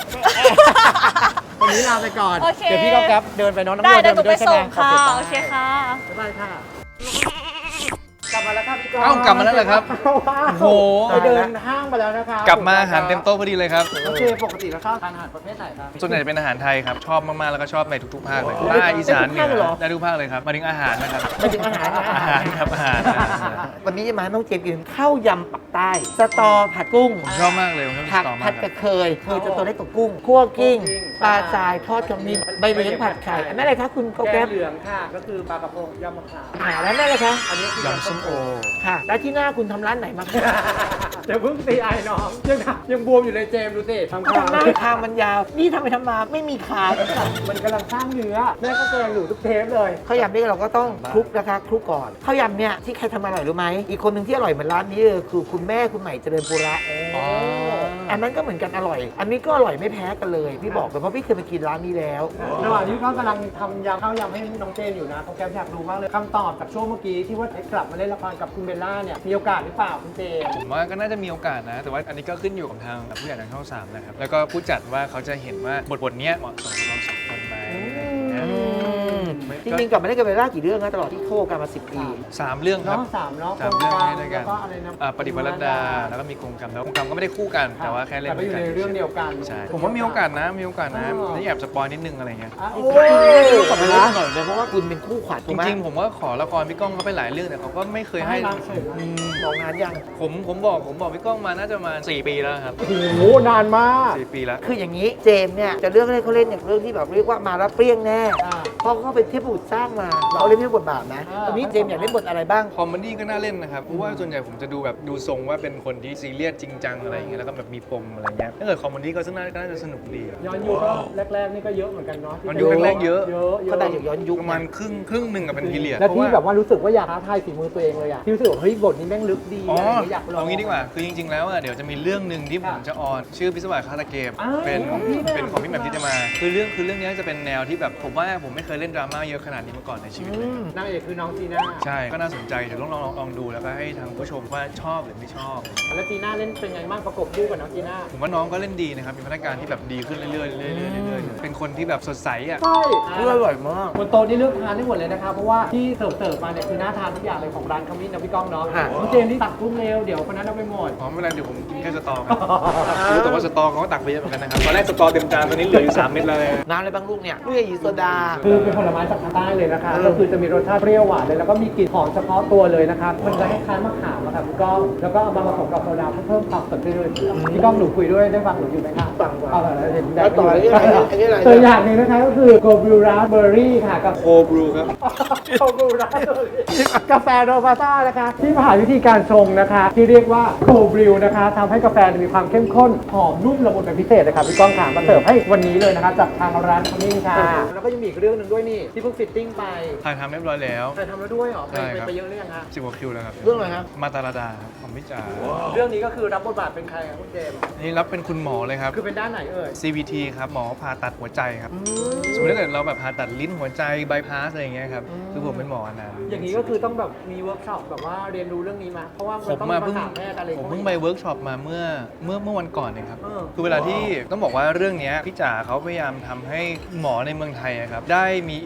Speaker 3: วันนี้ลาไปก่อน
Speaker 5: โอเค
Speaker 3: เดี๋ยวพี่ก๊อฟแก๊ปเดินไปน้องน้ำ
Speaker 5: ได้
Speaker 3: โย
Speaker 5: เดี๋ยวหนู
Speaker 3: ไป
Speaker 5: ไป
Speaker 3: ด้วยใช่ไห
Speaker 5: ส่
Speaker 3: ม
Speaker 5: งค่ะ
Speaker 3: โอ
Speaker 5: โอ
Speaker 3: เค
Speaker 5: เคค่ะ
Speaker 3: บ๊ายบายค่ะ กลับมาแล้วครับพี่ก๊อฟ
Speaker 2: เอ้ากลับมาแล้วเหรอครับ
Speaker 3: ว้าว
Speaker 2: โอ้โห
Speaker 3: ไปเดินห้างมาแล้วนะคะ
Speaker 2: กลับมาอาหารเต็มโต๊ะพอดีเลยครับ
Speaker 3: โอเคปกติแล้วชอบทานอาหารประเภทไหนครับ
Speaker 2: ส่วนใหญ่จะเป็นอาหารไทยครับ ชอบมากๆ แล้วก็ชอบในทุกๆ ภาคเลย
Speaker 3: โอ้
Speaker 2: ใต้อีสานเหนื
Speaker 1: ได้ทุกภาคเลยเหร
Speaker 2: อ
Speaker 1: อ
Speaker 2: ได้ทุกภาคเลยครับมาถึงอาหารนะครับ
Speaker 1: ไปถึงอาหารนะ
Speaker 2: อาหารครับอาหารอาหาร
Speaker 1: วันนี้จะมาให้น้องเจมส์กินข้าวยำปักใต้สตอผัดกุ้ง
Speaker 2: ผมชอบมากเลยผมชอบ
Speaker 1: ผัก
Speaker 2: สตอ
Speaker 1: ผั
Speaker 2: มา
Speaker 1: ด
Speaker 2: กค
Speaker 1: ก
Speaker 2: รั
Speaker 1: ระ
Speaker 2: บ
Speaker 1: เคยเคยจะตัวเล็กกว่ากุ้งคั่วกิ้งปลาทรายทอดขมิ้นใบเหลียงผัดไข่อันนั้นอะไรคะคุณโก
Speaker 3: แก
Speaker 1: แก๊
Speaker 3: ง
Speaker 1: บ
Speaker 3: เหลืองค่ะ ก็คือปลากระพงยำมะขาม
Speaker 1: หาแล้วนั่นเลยคะ
Speaker 3: อันนี้คือย
Speaker 2: ำส้มโอ
Speaker 1: ค่ะ แล้วที่หน้าคุณทำร้านไหนมาคะ
Speaker 3: เดี๋ยวเพิ่งตีไอ้น้องยังทำยังบวมอยู่เลยเจมส์ดูสิทำ
Speaker 1: ก็ทำหน้าคางมันยาว นี่ทำไปทำมาไม่มีขา
Speaker 3: มันกำลังสร้างเนื้อแม่ก็แกงหนูทุกเทปเลย
Speaker 1: ข้าวยำนี่เราก็ต้องคลุกนะคะคลุกก่อนข้าวยำเนี่ยที่ใครทำอร่อยรู้ไหมอีกคนหนึ่งที่อร่อยเหมือนร้านนี้เลยคือคุณแม่คุณใหม่เจริญปุระ
Speaker 2: อ๋อ
Speaker 1: อันนั้นก็เหมือนกันอร่อย อันนี้ก็อร่อยไม่แพ้กันเลย พี่บอกเลยเพราะพี่เคยไปกินร้านนี้แล้ว
Speaker 3: ระหว่างที่เขากำลังทำยำข้าวยำให้น้องเจนอยู่นะเขาแกอยากรู้มากเลยคำตอบจากช่วงเมื่อกี้ที่ว่าให้กลับมาเล่นละครกับคุณเบลล่าเนี่ยมีโอกาสหรือเปล่าคุณเจน
Speaker 2: ผมว่าก็น่าจะมีโอกาสนะ แต่ว่าอันนี้ก็ขึ้นอยู่กับทางผู้ใหญ่ทางช่องสามนะครับ แล้วก็ผู้จัดว่าเขาจะเห็นว่าบทบทเนี้ยเหมาะสมกับเราสองคนไหมอะไรอย่างเงี้ย
Speaker 1: จริงๆกลับมาได้กันไปล่ากี่เรื่องนะตลอดที่โคกันมาสิบปี
Speaker 2: สามเรื่องครับ
Speaker 3: เนาะสามเนาะ
Speaker 2: สามเรื่องให้ด้วยกัน
Speaker 3: แล้วก็อะไรนะ
Speaker 2: อ่าปฏิบัติรัตดา แล้วก็มีกรงกรรมแล้วกรงกรรมก็ไม่ได้คู่กัน แต่ว่าแค่เล่น
Speaker 3: แต่ก็อยู่ในเรื่องเดียวกัน
Speaker 2: ใช่ผมว่ามีโอกาสนะมีโอกาสนะ
Speaker 3: อ๋อ
Speaker 2: นี่แอบสปอยนิดนึงอะไรเงี้ย
Speaker 3: อ่ะ
Speaker 1: โอ้
Speaker 3: โอ้
Speaker 1: ย
Speaker 3: ย
Speaker 1: กลับมาเล่นหน่อยเลยเพราะว่าคุณเป็นคู่ขวัญ
Speaker 2: จ
Speaker 1: ถูกไหม
Speaker 2: ริงๆ ผมว่าขอละครพี่ก้องเขาไปหลายเรื่องแต่เขาก็ไม่เคยให้
Speaker 3: ให้รับเฉย
Speaker 2: อืม
Speaker 1: บอกงานยัง
Speaker 2: ผมผมบอกผมบอกพี่ก้องมาน่าจะประมาณสี่ปีแล้วครับ
Speaker 3: โอ้โหนานมาก
Speaker 2: สี่ปีแล้ว
Speaker 1: คืออย่างนี้เจมส์เนี่ยจะเลือกให้เขาเล่นอย่างเรื่องที่แบบเรียกว่ามาแล้วเปรี้ยงแน่
Speaker 3: อ่า
Speaker 1: เพราะเขาเป็นเทพบุตรสร้างมาเขาเล่นเทพบทบาทนะ
Speaker 3: อ่า
Speaker 1: ตอนนี้เจมส์อยากเล่นบทอะไรบ้าง
Speaker 2: คอมเมดี้ก็น่าเล่นนะครับ เพราะว่าส่วนใหญ่ผมจะดูแบบดูทรงว่าเป็นคนที่ซีเรียสจริงจังอะไรอย่างเงี้ยแล้วก็แบบมีปมอะไรเงี้ยถ้าเกิดคอมเมดี้ก็น่าน่าจะสนุกดีอะ
Speaker 3: ย้อนยุคก็แรกๆนี่ก็เยอะเหมือนกันเนาะ
Speaker 2: ย้อนยุคแรกๆเยอะ
Speaker 3: เยอะเย
Speaker 1: เขา
Speaker 3: อะ
Speaker 1: ได้อย่างย้อนยุค
Speaker 2: ประมาณครึ่งครึ่งหนึ่งกับเป็นพีเรียด
Speaker 3: แล้วที่แบบว่ารู้สึกว่าอยากท้าทายฝีมือตัวเองเลยอะที่รู้สึกว่าเฮ้ยบทนี้แม่งลึกดี
Speaker 2: อ๋อ
Speaker 3: อะไรอย่างเงี้ยอยากลอง
Speaker 2: เอางี้ดีกว่า คือจริง ๆ แล้วอะเดี๋ยวจะมีเรื่องหนึ่งที่ผมจะออน ชื่อพิศวาสฆาตเกม
Speaker 3: อ้าว
Speaker 2: เป็น
Speaker 3: ของพี่แหม่ม
Speaker 2: เป็นของพี่แหม่มที่จะมา คือเรื่องคือเรื่องนี้จะเป็นแนวที่แบบผมว่าผมไม่เคยเล่นดราม่าเยอะขนาดนี้มาก่อนในชีวิตเลย
Speaker 3: นางเอกคือน้องจีน่า
Speaker 2: ใช่ ก็น่าสนใจ เดี๋ยวลองลองลองลองดูแล้วก็ให้ทางผู้ชมว่าชอบหรือไม่ชอบ
Speaker 3: แล้วจีน่าเล่นเป็นไงบ้างประกบคู่กับน้องจีน่า
Speaker 2: ผมว่าน้องก็เล่นดีนะครับ มีพัฒนาการที่แบบดีขึ้นเรื่อยๆเรื่อยๆเรื่อยๆเรื่อยๆเป็นคนที่แบบสดใสอ่ะ
Speaker 3: ใช่
Speaker 1: เพื่ออร่อยมาก
Speaker 3: บนโต๊ะนี่เลือกทานได้หมดเลยนะคะเพราะว่าที่เสิร์ฟเสิร์ฟมาเนี่ยคือน่าทานทุกอย่างเลยของร้านขมิ้นนะพี่ก้องเนาะ
Speaker 1: ค่ะ
Speaker 3: น้องเจมส์ที่ตักกุ้งเร็วเดี๋ยวคนนั้นเอาไปหมด
Speaker 2: อ๋อไม่เป็นไรเดี๋ยวผมกินแค่สตอครับรู้แต่ว่าสตอเขาก็ตักไปเยอะเหมือนกันนะครับ ตอนแรกสตอเต็มจานตอนนี้เหลืออยู่สามเม็ดแล้วเลย
Speaker 1: น้ำอะไรบ้างลูกเนี่ยลูกยีโซดา
Speaker 3: คือเป็นผลไม้จากทางใต้เลยนะคะ
Speaker 1: เออ
Speaker 3: ก็คือจะมีรสชาติเปรี้ยวหวานเลยแล้วก็มีกลิ่นหอมเฉพาะตัวเลยนะคะมันจะคล้ายๆมะขามอะค่ะพี่ก้องแล้วก็เอามาผสมกับโซดาเพื่อเพิ่มความสดชื่นพี่ก้องหนูคุยด้วยได้ฟังหนูอยู่ไหมคะ
Speaker 1: ฟังฟัง
Speaker 3: เอาล่ะเห็น
Speaker 1: แล้วต่ออันนี้อะไรอันนี้อะไร
Speaker 3: ตัวอย่างหนึงนะคะก็คือโกบิวราเบอร์รี่ค่ะกับ
Speaker 2: โคบรูครับ
Speaker 3: โกบิวราเบอร์รี่กาแฟโรบัสต้านะคะที่ผ่านวิธีการชงนะคะ ที่เรียกว่าโคบริวนะคะทำให้กาแฟมีความเข้มข้นหอมนุ่มละมุนเป็นพิเศษเลยค่ะพี่ก้องค่ะมาเสิร์ฟให้วันนี้เลยนะคะจากทางร้านขมิ้นค่ะแล้วก็ยังมีอีกเรื่องหนึ่งด้วยนี่ที่เพิ่งฟิตติ้งไป
Speaker 2: ถ่ายทำเรียบร้อยแล้ว
Speaker 3: เคยทำแล้วด้วยเหรอไป
Speaker 2: ใช่
Speaker 3: ไป
Speaker 2: ครับ
Speaker 3: ไปเยอะหรือยังคะ
Speaker 2: สิบกว่าคิวแล้วครับ
Speaker 1: เรื่องอะไรครับ
Speaker 2: มาตาลาดาครับของพี่จ๋า
Speaker 3: เรื่องนี้ก็คือรับบทบาทเป็นใครครับคุณเจมส์
Speaker 2: นี่รับเป็นคุณหมอเลยครับ
Speaker 3: คือเป็นด้านไหนเอ่ย
Speaker 2: ซี วี ที ครับ หมอผ่าตัดหัวใจครับ สมมติถ้าเกิดเราแบบผ่าตัดลิ้นหัวใจบายพาสอะไรอย่างเงี้ยครับ คือผมเป็นหมออันนั้น
Speaker 3: อย่างนี้ก็คือต้องแบบมีเวิร์กช็อปแบบว่าเรียนรู้เรื่องนี้มาเพราะว่า
Speaker 2: ผ
Speaker 3: มัน
Speaker 2: ม
Speaker 3: ต้อง
Speaker 2: มา
Speaker 3: มา
Speaker 2: เพิ่ง
Speaker 3: ถามแพทย์อะไร
Speaker 2: ผมเพิ่งไปเวิร์กช็อปมาเมื่อเมื่อเมื่อวันก่อนเองครับ
Speaker 3: เออ
Speaker 2: คือเวลาที่ต้องบอกว่าเรื่องเนี้ยพี่จ๋าเขาพยายามทำให้หมอในเมืองไทยอะครับได้มีอิริยาบถใน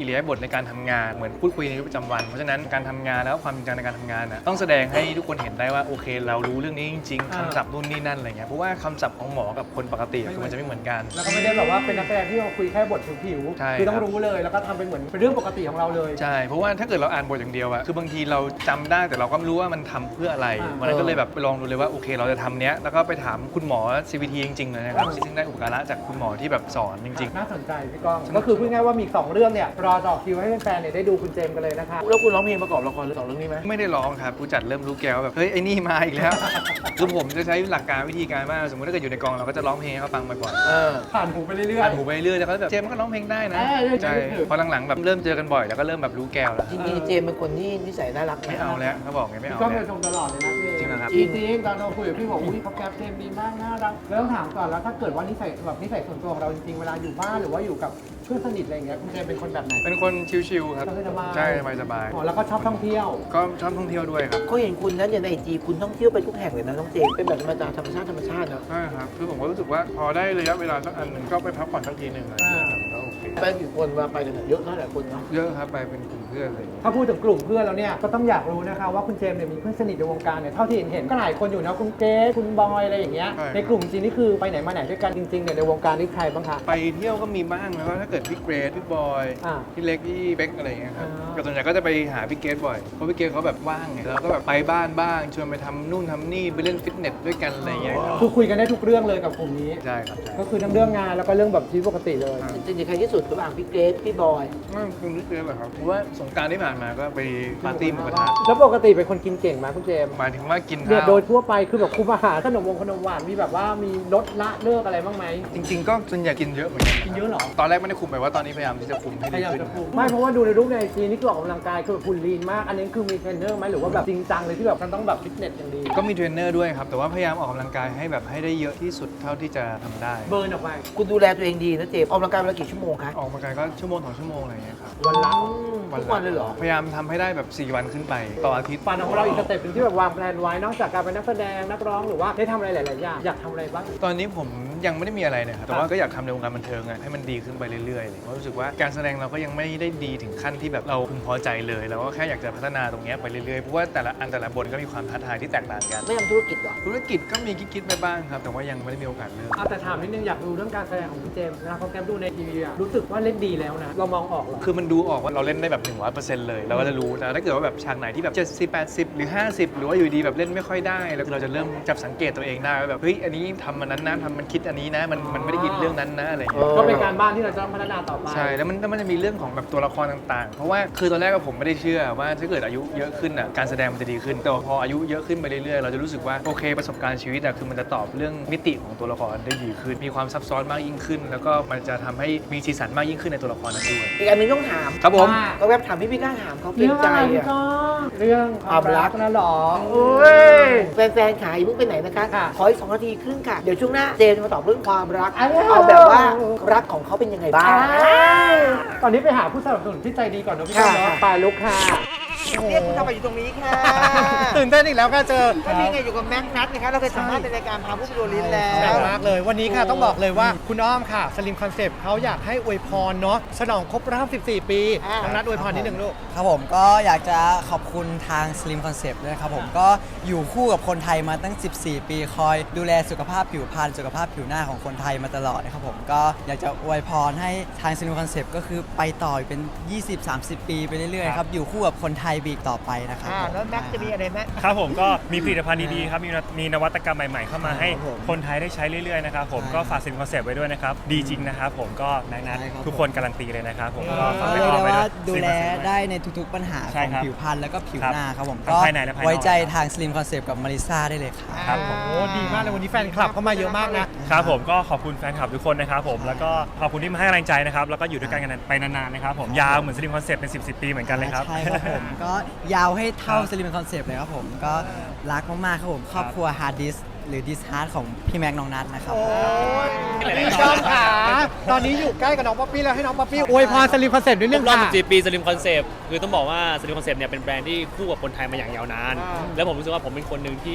Speaker 2: ในการทำงานเหมือนพูดคุยในชีวิตประจำวันเพราะฉะนั้นการทำงานแล้วความจริงจังในการทำงานน่ะต้องแสดงให้ทุกคนเห็นได้ว่าโอเคเรารู้เรื่องนี้จริงๆคำศัพท์นู่นนี่นั่นอะไรเงี้ยเพราะว่าคำศัพท์ของหมอกับคนปกติคือมันจะไม่เหมือนกัน
Speaker 3: แล้วก็ไม่ได้แบบว่าเป็นนักแสดงที่เราคุยแค่บทผิว
Speaker 2: ใช่
Speaker 3: ๆคือต้องรู้เลยแล้วก็ทำเป็นเหมือนเป็นเรื่องปกติของเราเลย
Speaker 2: ใช่เพราะว่าถ้าเกิดเราอ่านบทอย่างเดียวอะคือบางทีเราจำได้แต่เราก็ไม่รู้ว่ามันทำเพื่ออะไร
Speaker 3: อ่า
Speaker 2: วันนั้นก็เลยแบบไปลองดูเลยว่าโอเคเราจะทำเนี้ยแล้วก็ไปถามคุณหมอ ซี วี ที จริงๆเลยนะครับซึ่งได้อุปการะจากคุณหมอที่แบบสอนจริง
Speaker 3: น่าสนใจพี่ก้องก็คือพูดง่ายๆว่ามีอีกสองเรื่องเนี่ยรอต่อคิวให้แฟนๆเนี่ยได้ดูคุณเจมส์กันเลยนะคะ
Speaker 1: แล้วคุณร้องเพลงประกอบละครเรื่องสองเรื่องนี้ไหม
Speaker 2: ๆ ไม่ได้ร้องครับผู้จัดเริ่มรู้แก้วแบบเฮ้ยไอ้นี่มาอีกแล้ว คือผมจะใช้หลักการวิธีการว่าสมมติถ้าเกิดอยู่ในกองเราก็จะร้องเพลงให้เขาฟังบ่อยๆ
Speaker 1: เออ
Speaker 3: ผ่านหูไปเรื่อยๆ
Speaker 2: ผ่านหูไปเรื่อยแล้วเขาแบบเจมส์มันก็ร้องเพลงได้นะ
Speaker 3: เออเรื่อยๆ
Speaker 2: ใช่
Speaker 3: เรื่อยๆ
Speaker 2: พอหลังๆแบบเริ่มเจอกันบ่อยแล้วก็เริ่มแบบรู้แก้วแล้ว
Speaker 1: จริงๆเจมส์เป็นคนที่นิสัยน่ารัก
Speaker 2: ไม่เอาแล้วเขาบอกไงไม่
Speaker 3: พี่
Speaker 2: เอา
Speaker 3: ก้องเค
Speaker 2: แล้
Speaker 3: ยว ชมตลอดเลยนะพี่
Speaker 2: จริงเหรอครับ
Speaker 3: จริงๆตอนเราคุยกับพี่บอกอุ้ยเขาแกปเจมส์ดีมากน่ารักแล้วต้องถามก่อนแล้วถ้าเกิดว่านิสัยแบบนิสัยส่วนตัวของเราจริงๆเวลาอยู่บ้านหรือว่าอยู่กับเพื่อนสนิทอะไรอย่างเงี้ยคุณเจมส์เป็นคนแบบไหน
Speaker 2: เป็นคนชิลๆครับ
Speaker 3: สบายๆ
Speaker 2: ใช่สบาย
Speaker 3: อ๋อแล้วก็ชอบท่องเที่ยว
Speaker 2: ๆก็ชอบท่องเที่ยวด้วยครับ
Speaker 1: เขาเห็นคุณนั้นอย่างในไอจีคุณท่องเที่ยวไปทุกแห่งเลยนะน้องเจมส์เป็นแบบธรรมชาติธรรมชาติธรรมชาติเนาะ
Speaker 2: ใช่ครับคือผมก็รู้สึกว่าพอได้ระยะเวลาสักอันหนึ่งก็ไปพักผ่อนสักทีหนึ่งอะไรอย่างเงี้ยครับก็โอเค
Speaker 1: ไปกี่คนมาไปกันเนี่ยเยอะเท่าไหร่คนเนาะ
Speaker 2: เยอะครับไปเป็นกลุ่มเพื่อนอะไรอย่างเงี้ย
Speaker 3: ถ้าพูดถึงกลุ่มเพื่อนแล้วเนี่ยก็ต้องอยากรู้นะคะว่าคุณเจมส์เนี่ยมีเพื่อนสนิทในวงการเนี่ยเท่าที่เห็นเห็นก็หลายคนอยู่นะคุณเกรซคุณบอยอะไรอย่างเงี้ยในกลุ่มจริงนี่คือไปไหนมาไหนด้วยกันจริงๆเนี่ยในวงการนี่ใครบ้างคะ
Speaker 2: ไปเที่ยวก็มีบ้างแล้วก็ถ้าเกิดพี่เกรซพี่บอย
Speaker 3: อ่า
Speaker 2: พี่เล็กพี่เบ๊กอะไรอย่างเงี้ยครับ
Speaker 3: อ่า
Speaker 2: ก็ส่วนใหญ่ก็จะไปหาพี่เกรซบ่อยเพราะพี่เกรซเขาแบบว่างไงแล้วก็แบบไปบ้านบ้างชวนไปทำนู่นทำนี่ไปเล่นฟิตเนสด้วยกันอะไรอย่างเงี้ยครับ
Speaker 3: คือคุยกันได้ทุกเรื่องเลยกับกลุ่มนี้
Speaker 2: ใช่ครับใช่
Speaker 3: ก็คือทั้งเรื่องงานแล้วก็เรื่องแบบชีวิตปกติเลย
Speaker 1: จริงๆใครที่สุดระหว่างพี่เกรซพี่บอย
Speaker 2: ไม่คุณพี่เกรซเหรอครับเพราะว่าสงกรานต์ที่ผ่านมาก็ไปปาร์ตี้หมูกระทะ
Speaker 3: แล้วปกติเป็นคนกินเก่งไหมคุณเจมส์
Speaker 2: หมายถึงว่ากิน
Speaker 3: เนี่ย
Speaker 2: ข้าว
Speaker 3: โดยทั่วไปคือแบบคุมอาหารขนมวงขนมหวานมีแบบว่ามีลดละเลิกอะไรบ้างไหม
Speaker 2: จริง ๆ ก็ส่วนใหญ่กินเยอะเหมือนกัน
Speaker 3: กินเยอะเหรอ
Speaker 2: ตอนแรกไม่ได้คุมไปว่าตอนนี้พยายามที่จะคุมให้
Speaker 3: พ
Speaker 2: ดี
Speaker 3: ยายาม
Speaker 2: ขึ้น
Speaker 3: จะคุมไม่เพราะว่าดูในรูปในไอจีนี่คือออกกำลังกายคือแบบหุ่นลีนมาก อันนี้คือมีเทรนเนอร์ไหมหรือว่าแบบจริงจังเลยที่แบบมันต้องแบบฟิตเนสอย่างดี
Speaker 2: ก็มีเทรนเนอร์ด้วยครับแต่ว่าพยายามออกกำลังกายให้แบบให้ได้เยอะที่สุดเท่าที่จะทำได้
Speaker 3: เบิร์นออกไป
Speaker 1: คุณดูแลตัวเองดีนะเจมส์ออกกำลังกายวันละกี่ชั่วโมงคะ
Speaker 2: ออกกำลังกายก็ชั่วโมงสองชั่วโมงอะไรอย่างเงี้ยครับ
Speaker 3: วันละ
Speaker 1: ทุกวันเลยเหรอ
Speaker 2: พยายามทำให้ได้แบบสี่วันขึ้นไปต่ออาทิตย์
Speaker 3: ฝันของเราอีกสเต็ปหนึงที่แบบวางแผนไว้นอกจากการเป็นนักแสดงนักร้องหรือว่าได้ทำอะไรหลายๆอย่างอยากทำอะไรบ้าง
Speaker 2: ตอนนี้ผมยังไม่ได้มีอะไรนะครับแต่ว่าก็อยากทำในวงการบันเทิงอะให้มันดีขึ้นไปเรื่อยๆเลยเพราะรู้สึกว่าการแสดงเราก็ยังไม่ได้ดีถึงขั้นที่แบบเราพึงพอใจเลยเราก็แค่อยากจะพัฒนาตรงเนี้ยไปเรื่อยๆเพราะว่าแต่ละอันแต่ละบทก็มีความท้าทายที่แตกต่างกัน
Speaker 1: ไม่ทำธุรกิจเหรอ
Speaker 2: ธุรกิจก็มีคิดๆไปบ้างครับแต่ว่ายังไม่ได้มีโอกาสเริ่ม
Speaker 3: เอาแต่ถามนิดนึงอยากดูเรื่องการแสดงของพี่เจมส์นะเพราะแกมดูในทีวีอะรู้สึกว่าเล่นดีแล้วนะเรามองออกเหรอ
Speaker 2: คือมันดูออกว่าเราเล่นได้แบบ หนึ่งร้อยเปอร์เซ็นต์ เลยเราก็จะรู้แต่ถ้าเกิดว่าแบบฉากไหนที่แบบเจ็ดสิบ แปดสิบ หรือ ห้าสิบ หรือว่าอยู่ดีแบบเล่นไม่ค่อยได้แล้วเราจะเริ่มจับสังเกตตัวเองได้ว่าแบบเฮ้ยอันนี้ทำมันนั้นนะทำมันคิดอันนี้นะมันมันไม่ได้ยินเรื่องนั้นนะอะไรอย่างเงี้ย
Speaker 3: ก็เป็นการบ้านที่เราจะต้องพัฒนาต่อไป
Speaker 2: ใช่แล้วมันแล้วมันจะมีเรื่องของแบบตัวละครต่างๆ เพราะว่าคือตอนแรกก็ผมไม่ได้เชื่อว่าถ้าเกิดอายุเยอะขึ้นอ่ะการแสดงมันจะดีขึ้นแต่พออายุเยอะขึ้นไปเรื่อยๆเราจะรู้สึกว่าโอเคประสบการณ์ชีวิตอ่ะคือมันจะตอบเรื่องมิติของตัวละครได้ดีขึ้นมีความซับซ้อนมากยิ่งขึ้น แล้วก็มันจะทำให้มีสีสันมากยิ่งขึ้นในตัวละครนั้นด้วย
Speaker 1: อีกอันหนึงต้องถาม
Speaker 2: ครับผม
Speaker 1: ก็แวบถามพี่พี่กล้าถามเขาเกร
Speaker 3: เรื่อง ง
Speaker 1: ใจ
Speaker 3: อะไรพี่
Speaker 1: อ่ะ
Speaker 3: ก้องเรื่องความรักนะหรอ
Speaker 1: โอ้ยแฟนๆขายเพิ่งไปไหนนะคะ
Speaker 3: ค่ะ
Speaker 1: ขออีกสองนาทีครึ่งค่ะ เดี๋ยวช่วงหน้าเจมส์จะมาตอบเรื่องความรัก
Speaker 3: อ้าว
Speaker 1: เอาแบบว่ารักของเขาเป็นยังไงบ้าง
Speaker 3: ตอนนี้ไปหาผู้สนับสนุนที่ใจดีก่อนนะพี่ก้องเนาะ
Speaker 1: ค่ะ
Speaker 3: ไปลุกค่ะ
Speaker 1: เรียกคุณทำไปอยู่ตรงนี้ค่ะ
Speaker 3: ตื่นเต้นอีกแล้วค่ะเจอ
Speaker 1: ก็นี่ไงอยู่กับแม็กนัทนะคะเราเคยสัมภาษณ์ในรายการพาผู้ไปดูลิ้นแล้
Speaker 3: แปล
Speaker 1: ว
Speaker 3: กมากเลยวันนี้ค่ะต้องบอกเลยว่าคุณอ้อมค่ะสลิมคอนเซปต์เขาอยากให้อวยพรเนาะฉลองครบรอบสิบสี่ ปี
Speaker 1: อ่า
Speaker 3: น้องนัดอวยพรนิดหนึ่งลูก
Speaker 6: ครับผมก็อยากจะขอบคุณทาง Slim Concept ด้วยครับผมก็อยู่คู่กับคนไทยมาตั้ง สิบสี่ ปีคอยดูแลสุขภาพผิวพรรณสุขภาพผิวหน้าของคนไทยมาตลอดนะครับผมก็อยากจะอวยพรให้ทาง Slim Concept ก็คือไปต่ออีกเป็น ยี่สิบสามสิบ ปีไปเรื่อยๆครับอยู่คู่กับคนไทยบีกต่อไปนะครับ
Speaker 1: อ่า
Speaker 6: ผม
Speaker 1: แล้วแม็กจะมีอะไรไหม
Speaker 7: ครับผมก็มีผลิตภัณฑ์ดีๆครับมีนมีนวัตกรรมใหม่ๆ เข้ามาให้
Speaker 6: ครับผม
Speaker 7: คนไทยได้ใช้เรื่อยๆนะครับผม
Speaker 6: ใช่
Speaker 7: ก็ฝากสินคอนเซปต์ไว้ด้วยนะครับ ดีจริงนะครับผมก็นักนัด
Speaker 6: ใช่ครับ
Speaker 7: ทุกคนการันตีเลยนะครับผมก็ฝาก
Speaker 6: ก็
Speaker 7: ไป
Speaker 6: เรียก
Speaker 7: ต่อ
Speaker 6: ได้
Speaker 7: ไป
Speaker 6: ว่า
Speaker 7: ด้วย
Speaker 6: ดูแล
Speaker 7: Slim Concept
Speaker 6: ได้ในทุกๆปัญหา
Speaker 7: ใช่
Speaker 6: ของ
Speaker 7: ครับ
Speaker 6: ผิวพรรณแล้วก็ผิว
Speaker 7: ครับ
Speaker 6: หน้าครับผม
Speaker 7: ทั้ง
Speaker 6: ก็
Speaker 7: ภายในและภายนอก
Speaker 6: ไว้ใจทาง Slim Concept กับมาริซ่าได้เลยครับ
Speaker 7: ครับผม
Speaker 3: โอ้ดีมากเลยวันนี้แฟนคลับเข้ามาเยอะมากนะ
Speaker 7: ครับผมก็ขอบคุณแฟนคลับทุกคนนะครับผมแล้วก็ขอบคุณที่มาให้กำลังใจนะครับแล้วก็อยู่ด้วยกันกันไปนานๆนะครับผมยาวเหมือนสลิมคอนเซปต์เป็น สิบสิบ ปีเหมือนกันเลยครับ
Speaker 6: ใช่ครับผม ก็ยาวให้เท่า
Speaker 7: ครับ
Speaker 6: สลิมคอนเซปต์เลยครับผม ก็รักมาก ๆ ครับผม ครอบครัวฮาร์ดดิสหรือดิสฮาร์ดของพี่แม็กน้องนัทนะครับ
Speaker 3: พี่ก้องขาตอนนี้อยู่ใกล้กับน้องป๊อปปี้แล้วให้น้องป๊อปปี้อวยพรสลิมคอนเซปต์นิดนึง
Speaker 8: รอบ
Speaker 3: ค่ะ
Speaker 8: สิบสี่ ปีสลิมคอนเซปต์คือต้องบอกว่าสลิมคอนเซปต์เนี่ยเป็นแบรนด์ที่คู่กับคนไทยมาอย่างยาวนาน แล้วผมรู้สึกว่าผมเป็นคนหนึ่งที่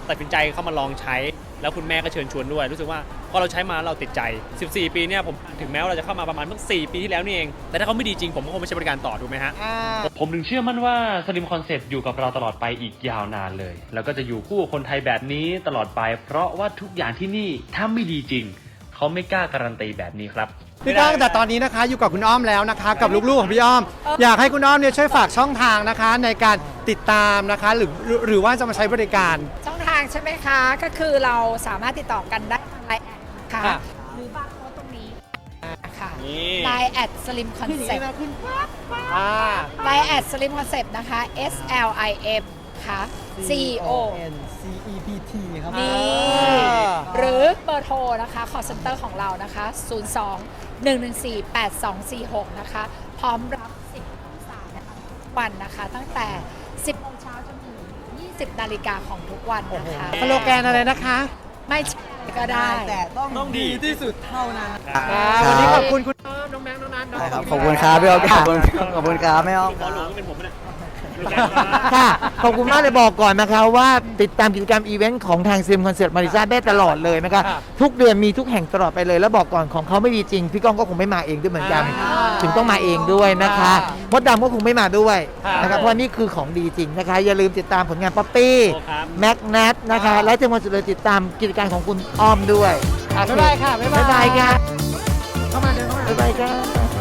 Speaker 8: ตัดสินใจเข้ามาลองใช้ แล้วคุณแม่ก็เชิญชวนด้วย รู้สึกว่าพอเราใช้มาเราติดใจ สิบสี่ ปีเนี่ยผมถึงแม้ว่าเราจะเข้ามาประมาณเพิ่งสี่ปีที่แล้วนี่เอง แต่ถ้าเขาไม่ดีจริงผมก็คงไม่ใช้บริการต่อถูกไหมฮะ
Speaker 7: ผมถึงเชื่อมั่นว่า Slim Concept อยู่กับเราตลอดไปอีกยาวนานเลย แล้วก็จะอยู่คู่กับคนไทยแบบนี้ตลอดไป เพราะว่าทุกอย่างที่นี่ถ้าไม่ดีจริง เขาไม่กล้าการันตีแบบนี้ครับ
Speaker 3: พี่ก้องแต่ตอนนี้นะคะอยู่กับคุณอ้อมแล้วนะคะ กับลูกๆของพี่อ้อม อยากให้คุณอ้อมเนี่ยช่วยฝากช่องทางนะคะ ในการติดตามนะคะหรือหรือว่าจะมาใช้บริการ
Speaker 9: ช่องทางใช่ไหมคะ ก็คือเราสามารถติดต่อกันได้ทางไลน์แอดค่ะ
Speaker 3: ค่ะ
Speaker 9: หรือบาร์โค้ดตรงนี้ค่ะ
Speaker 8: นี่
Speaker 9: ไลน์แอดสลิมคอนเซ็ปต์
Speaker 3: อ่า
Speaker 9: ไลน์แอดสลิมคอนเซ็ปต์นะคะ S L I M ค่ะ C O
Speaker 6: N C E P T ครับ
Speaker 9: นี่ หรือเบอร์โทรนะคะ call center ของเรานะคะ ศูนย์ สอง หนึ่ง หนึ่ง สี่ แปด สอง สี่ หก นะคะ พร้อมรับสิบสายนะคะทุกวันนะคะ ตั้งแต่ สิบโมงเช้าจนถึงยี่สิบนาฬิกาของทุกวันนะคะ
Speaker 3: สโลแกนอะไรนะคะ
Speaker 9: ไม่ใช่ก็ได้
Speaker 6: แต่ต้องดีที่สุดเท่านั้น
Speaker 3: อ่าวันนี้ขอบคุณคุณอ้อมน้องแบงค์น้องนัทน้อง
Speaker 6: ขอบคุณครับพี่อ้อมขอบคุณขอบคุณครับแม่อ้อม
Speaker 8: หมอหลวงเป็นผมเนี่ย
Speaker 1: ค่ะขอบคุณมากเลยบอกก่อนนะคะว่าติดตามกิจกรรมอีเวนต์ของทางซิมคอนเสิร์ตมาริซาได้ตลอดเลยนะคะทุกเดือนมีทุกแห่งตลอดไปเลยแล้วบอกก่อนของเขาไม่มีจริง พี่ก้องก็คงไม่มาเองด้วยเหมือนกัน ถึงต้องมาเองด้วยนะคะมดดำก็คงไม่มาด้วยนะครับเพราะนี่คือของดีจริงนะคะ อย่าลืมติดตามผลงานป๊อปปี้
Speaker 8: โอ้ครับ
Speaker 1: แม็กนัทนะคะและที่มาสุดเลยติดตามกิจการของคุณอ้อมด้วย
Speaker 3: อ่ะบ๊ายบายค่ะบ๊ายบาย
Speaker 1: บ๊ายบายค่ะ
Speaker 3: เข้ามาเดินเข้ามา
Speaker 1: บ๊ายบายค่ะ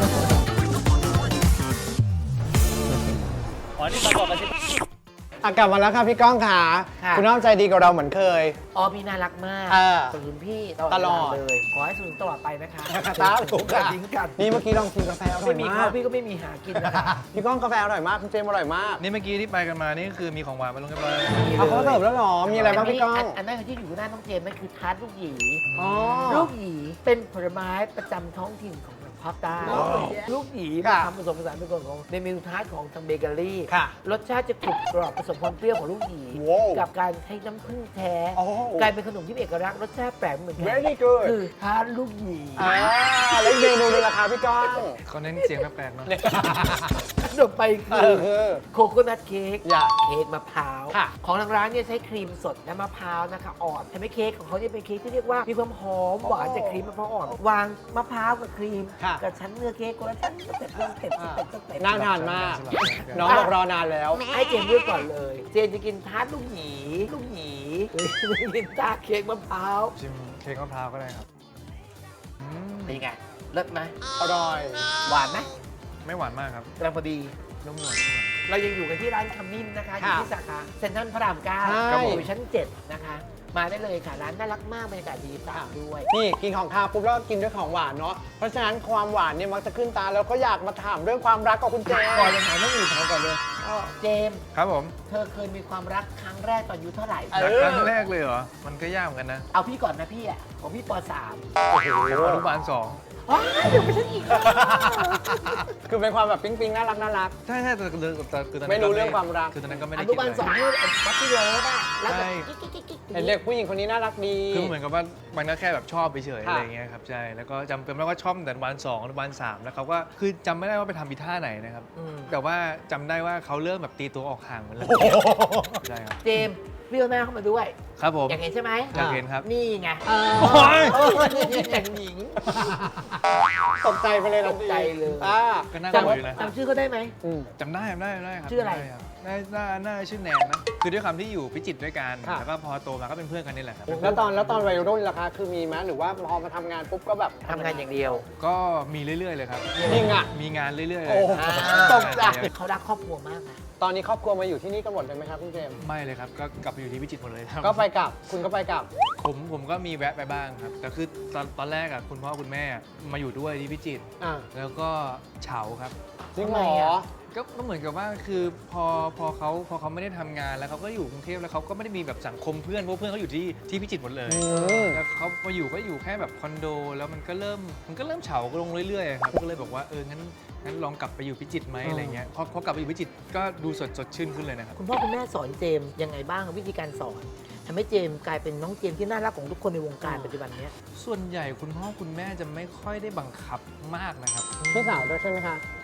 Speaker 8: อ๋อนี่เราบอกกันใช่ไหม
Speaker 3: อ่ะกลับมาแล้วค่ะพี่ก้องค่ะ
Speaker 1: ค่ะ
Speaker 3: คุณอ้อมใจดีกับเราเหมือนเคย
Speaker 1: อ้อมพี่น่ารักมาก
Speaker 3: เออ
Speaker 1: สนุนพี่
Speaker 3: ตลอด
Speaker 1: เวาเลย ขอให้สนุนตลอดไปนะคะ
Speaker 3: สาธุค่ะ
Speaker 1: ทิ้งกัน
Speaker 3: นี่เมื่อกี้ลองชิมกาแฟอร่อ
Speaker 1: ไม่
Speaker 3: ย
Speaker 1: มี
Speaker 3: มา
Speaker 1: เขา
Speaker 3: ก
Speaker 1: พี่ก็ไม่มีหากินนะคะ
Speaker 3: พี่ก้องกาแฟอร่อยมากคุณเจมส์อร่อยมาก
Speaker 2: นี่เมื่อกี้ที่ไปกันมานี่คือมีของหวานมาลงเรียบร้อย
Speaker 3: เอาเขาเสิร์ฟแล้วเหรอมีอะไรบ้างพี่ก้อง
Speaker 1: นอันนั้นที่อยู่หน้าน้องเจมส์นั่นคือทาร์ตลูกหยี
Speaker 3: อ๋อ
Speaker 1: ลูกหยีเป็นผลไม้ประจำท้องถิ่นของภาคใต้ลูกหยี
Speaker 3: ค่ะ
Speaker 1: ทำผสมผสานเป็นส่วนของในเมนูทาร์ตของทางเบเกอรี่
Speaker 3: ค่ะ
Speaker 1: รสชาติจะกรุบกรอบผสมความเปรี้ยวของลูกหยี
Speaker 3: ว้าว
Speaker 1: กับการใช้น้ำผึ้งแท้
Speaker 3: โอ้โห
Speaker 1: กลายเป็นขนมที่มีเอกลักษณ์รสชาติแปลกเหมือนกั
Speaker 3: Very good
Speaker 1: คือทาร์ตลูกหยี
Speaker 3: อ่าแล้วอีกเมนูหนึงราคาพี่ก้อง
Speaker 2: เขาเน้นเสียงแปลกๆเนาะ
Speaker 1: ขนมไป
Speaker 3: เอ
Speaker 1: คือ
Speaker 3: อ
Speaker 1: โคโคนัทเค้ก
Speaker 3: อย่า
Speaker 1: เค้กมะพร้าว
Speaker 3: ค่ะ
Speaker 1: ของทางร้านเนี่ยใช้ครีมสดและมะพร้าวนะคะอ่อนทำให้เค้กของเขาเนี่ยเป็นเค้กที่เรียกว่ามีความหอมหวานจากครีมมะพร้าวอ่อน วางมะพร้าวกับครีม
Speaker 3: ค่ะ
Speaker 1: กับชั้นเนื้อเค้กคนละชั้นสเต็ปสเต็ปสเต็ปสเต็ป
Speaker 3: น่าทานมาก น้องบอกรอนานแล้ว
Speaker 1: ให้เจมส์เลือกก่อนเลย เจมส์จะกินทาร์ตลูกหยีลูกหยีหรือจะกินทาร์ตเค้กมะพร้าว
Speaker 2: ชิมเค้กมะพร้าวก็ได้ครับอืม
Speaker 1: เป็นไงเลิศไหม
Speaker 3: อร่อย
Speaker 1: หวานไหม
Speaker 2: ไม่หวานมากครับ
Speaker 1: กำลังพอดี
Speaker 2: นุ่มนวลนุ่มนวล
Speaker 1: เรายังอยู่กันที่ร้านขมิ้นนะคะอยู่ที่สาขาเซ็นทรัลพระรามเก้า
Speaker 3: ใช่
Speaker 1: อยู่ชั้นเจ็ดนะคะ มาได้เลยค่ะ ร้านน่ารักมากบรรยากาศดีสะอาดด้วย
Speaker 3: นี่กินของข้าวปุ๊บแล้วก็กินด้วยของหวานเนาะ เพราะฉะนั้นความหวานเนี่ยมักจะขึ้นตาแล้วก็อยากมาถามเรื่องความรักกับคุณเจมส์
Speaker 1: ก่อนจะถามเรื่องอื่นถามก่อนเลยเจมส์
Speaker 2: ครับผม
Speaker 1: เธอเคยมีความรักครั้งแรกตอนอายุเท่าไหร่
Speaker 3: เอ
Speaker 2: รักครั้งแรกเลยเหรอ มันก็ยากเหมือนกันนะ
Speaker 1: เอาพี่ก่อนนะพี่อ่ะของพี่ปสาม
Speaker 2: โอ้โหอนุบาลสอง
Speaker 1: ว้ายเดี๋ยวไปฉันอีกแล้ว
Speaker 3: คือเป็นความแบบปิ๊งปิ๊งๆน่ารักน่ารัก
Speaker 2: ใช่ใช่แต่แต่แต่คือตอนนั้น
Speaker 3: ไม่รู้เรื่องความรัก
Speaker 2: คือตอนนั้นก็ไม่
Speaker 1: อ
Speaker 2: ได้
Speaker 1: นุ
Speaker 2: คิด
Speaker 1: บาล
Speaker 2: อะไร
Speaker 1: สองนี่วัดที่เลิฟอ่ะแล้วแบบ
Speaker 2: ใช่
Speaker 1: กิ๊กกิ๊กกิ๊กกิ๊ก
Speaker 3: เห็นเด็กผู้หญิงคนนี้น่ารักดี
Speaker 2: คือเหมือนกับว่ามันก็แค่แบบชอบไปเฉยๆ
Speaker 3: ค่ะ
Speaker 2: อะไรเงี้ยครับใช่แล้วก็จำเป็นว่าชอบตั้งแต่อนุบาลสองอนุบาลสามแล้วเขาก็คือจำไม่ได้ว่าไปทำอีท่าไหนนะครับ
Speaker 1: อืม
Speaker 2: แต่ว่าจำได้ว่าเขาเริ่มแบบตีตัวออกห่างเหมือนเลยใช่ครับ
Speaker 1: เจมส์พี่เอาหน้าเข้ามาด้วย
Speaker 2: ครับผม
Speaker 1: อยากเห็นใช่ไหม
Speaker 2: อยากเห็นครับ
Speaker 1: นี่ไง
Speaker 3: เออ
Speaker 2: โอ้ย
Speaker 1: เออนี่แต่งหญิง
Speaker 3: ตกใจไปเลยทันที
Speaker 1: ตกใจเลย
Speaker 3: อ่า
Speaker 2: ก็น่ากลัวอยู่นะ
Speaker 1: จำชื่อเขาได้ไหม
Speaker 3: อืม
Speaker 2: จำได้จำได้จำได้ครับ
Speaker 1: ชื่ออะไร
Speaker 2: จำด้คบน่าน่าน่าชื่อแนนนะคือด้วยความที่อยู่พิจิตรด้วยกัน
Speaker 3: ค่ะ
Speaker 2: แล้วก็พอโตมาก็เป็นเพื่อนกันนี่แหละครับ
Speaker 3: แล้วตอนแล้วตอนวัยรุ่นล่ะคะ คือมีไหมหรือว่าพอมาทำงานปุ๊บก็แบบ
Speaker 1: ทำงานอย่างเดียว
Speaker 2: ก็มีเรื่อยๆเลยครับ
Speaker 3: จริงอ่ะ
Speaker 2: มีงานเรื่อยๆเล
Speaker 3: โอ้
Speaker 2: ย
Speaker 3: โห
Speaker 2: ครับ
Speaker 3: ตกใจ
Speaker 1: เขารักครอบครัวมากนะ
Speaker 3: ตอนนี้ครอบครัวมาอยู่ที่นี่กันหมดเลยไหมครับคุณเจมส์
Speaker 2: ไม่เลยครับก็กลับไปอยู่ที่พิจิตรหมดเลยครับ
Speaker 3: ก็ไปกลับ คุณก็ไปกลับ
Speaker 2: ผมผมก็มีแวะไปบ้างครับ แต่คือตอนตอนแรกอะคุณพ่อคุณแม่มาอยู่ด้วยที่พิจิตร
Speaker 3: อ่า
Speaker 2: แล้วก็เฉาครับ
Speaker 3: จริงเหร
Speaker 1: ทำไม
Speaker 3: อ
Speaker 1: อะ
Speaker 2: ก็ก็เหมือนกับว่าคือพอพอเขาพอเขาไม่ได้ทำงานแล้วเขาก็อยู่กรุงเทพแล้วเขาก็ไม่ได้มีแบบสังคมเพื่อนเพราะเพื่อนเขาอยู่ที่ที่พิจิตรหมดเลย
Speaker 3: อืม
Speaker 2: แล้วเขามาอยู่ก็อยู่แค่แบบคอนโด แล้วมันก็เริ่มมันก็เริ่มเฉาลงเรื่อยๆครับก็เลยบอกว่าเอองั้นงั้นลองกลับไปอยู่พิจิตรไหมอะไรเงี้ยพอพอกลับไปอยู่พิจิตรก็ดูสดสดชื่นขึ้นเลยนะครับ
Speaker 1: คุณพ่อคุณแม่สอนเจมส์ยังไงบ้างวิธีการสอนทำให้เจมส์กลายเป็นน้องเจมส์ที่น่ารักของทุกคนในวงการปัจจุบันเนี้ย
Speaker 2: ส่วนใหญ่คุณพ่อคุณแม่จะไม่ค่อยได้บังคับมากนะครับ
Speaker 3: พี่สาวด้วยใช่ไหมคะ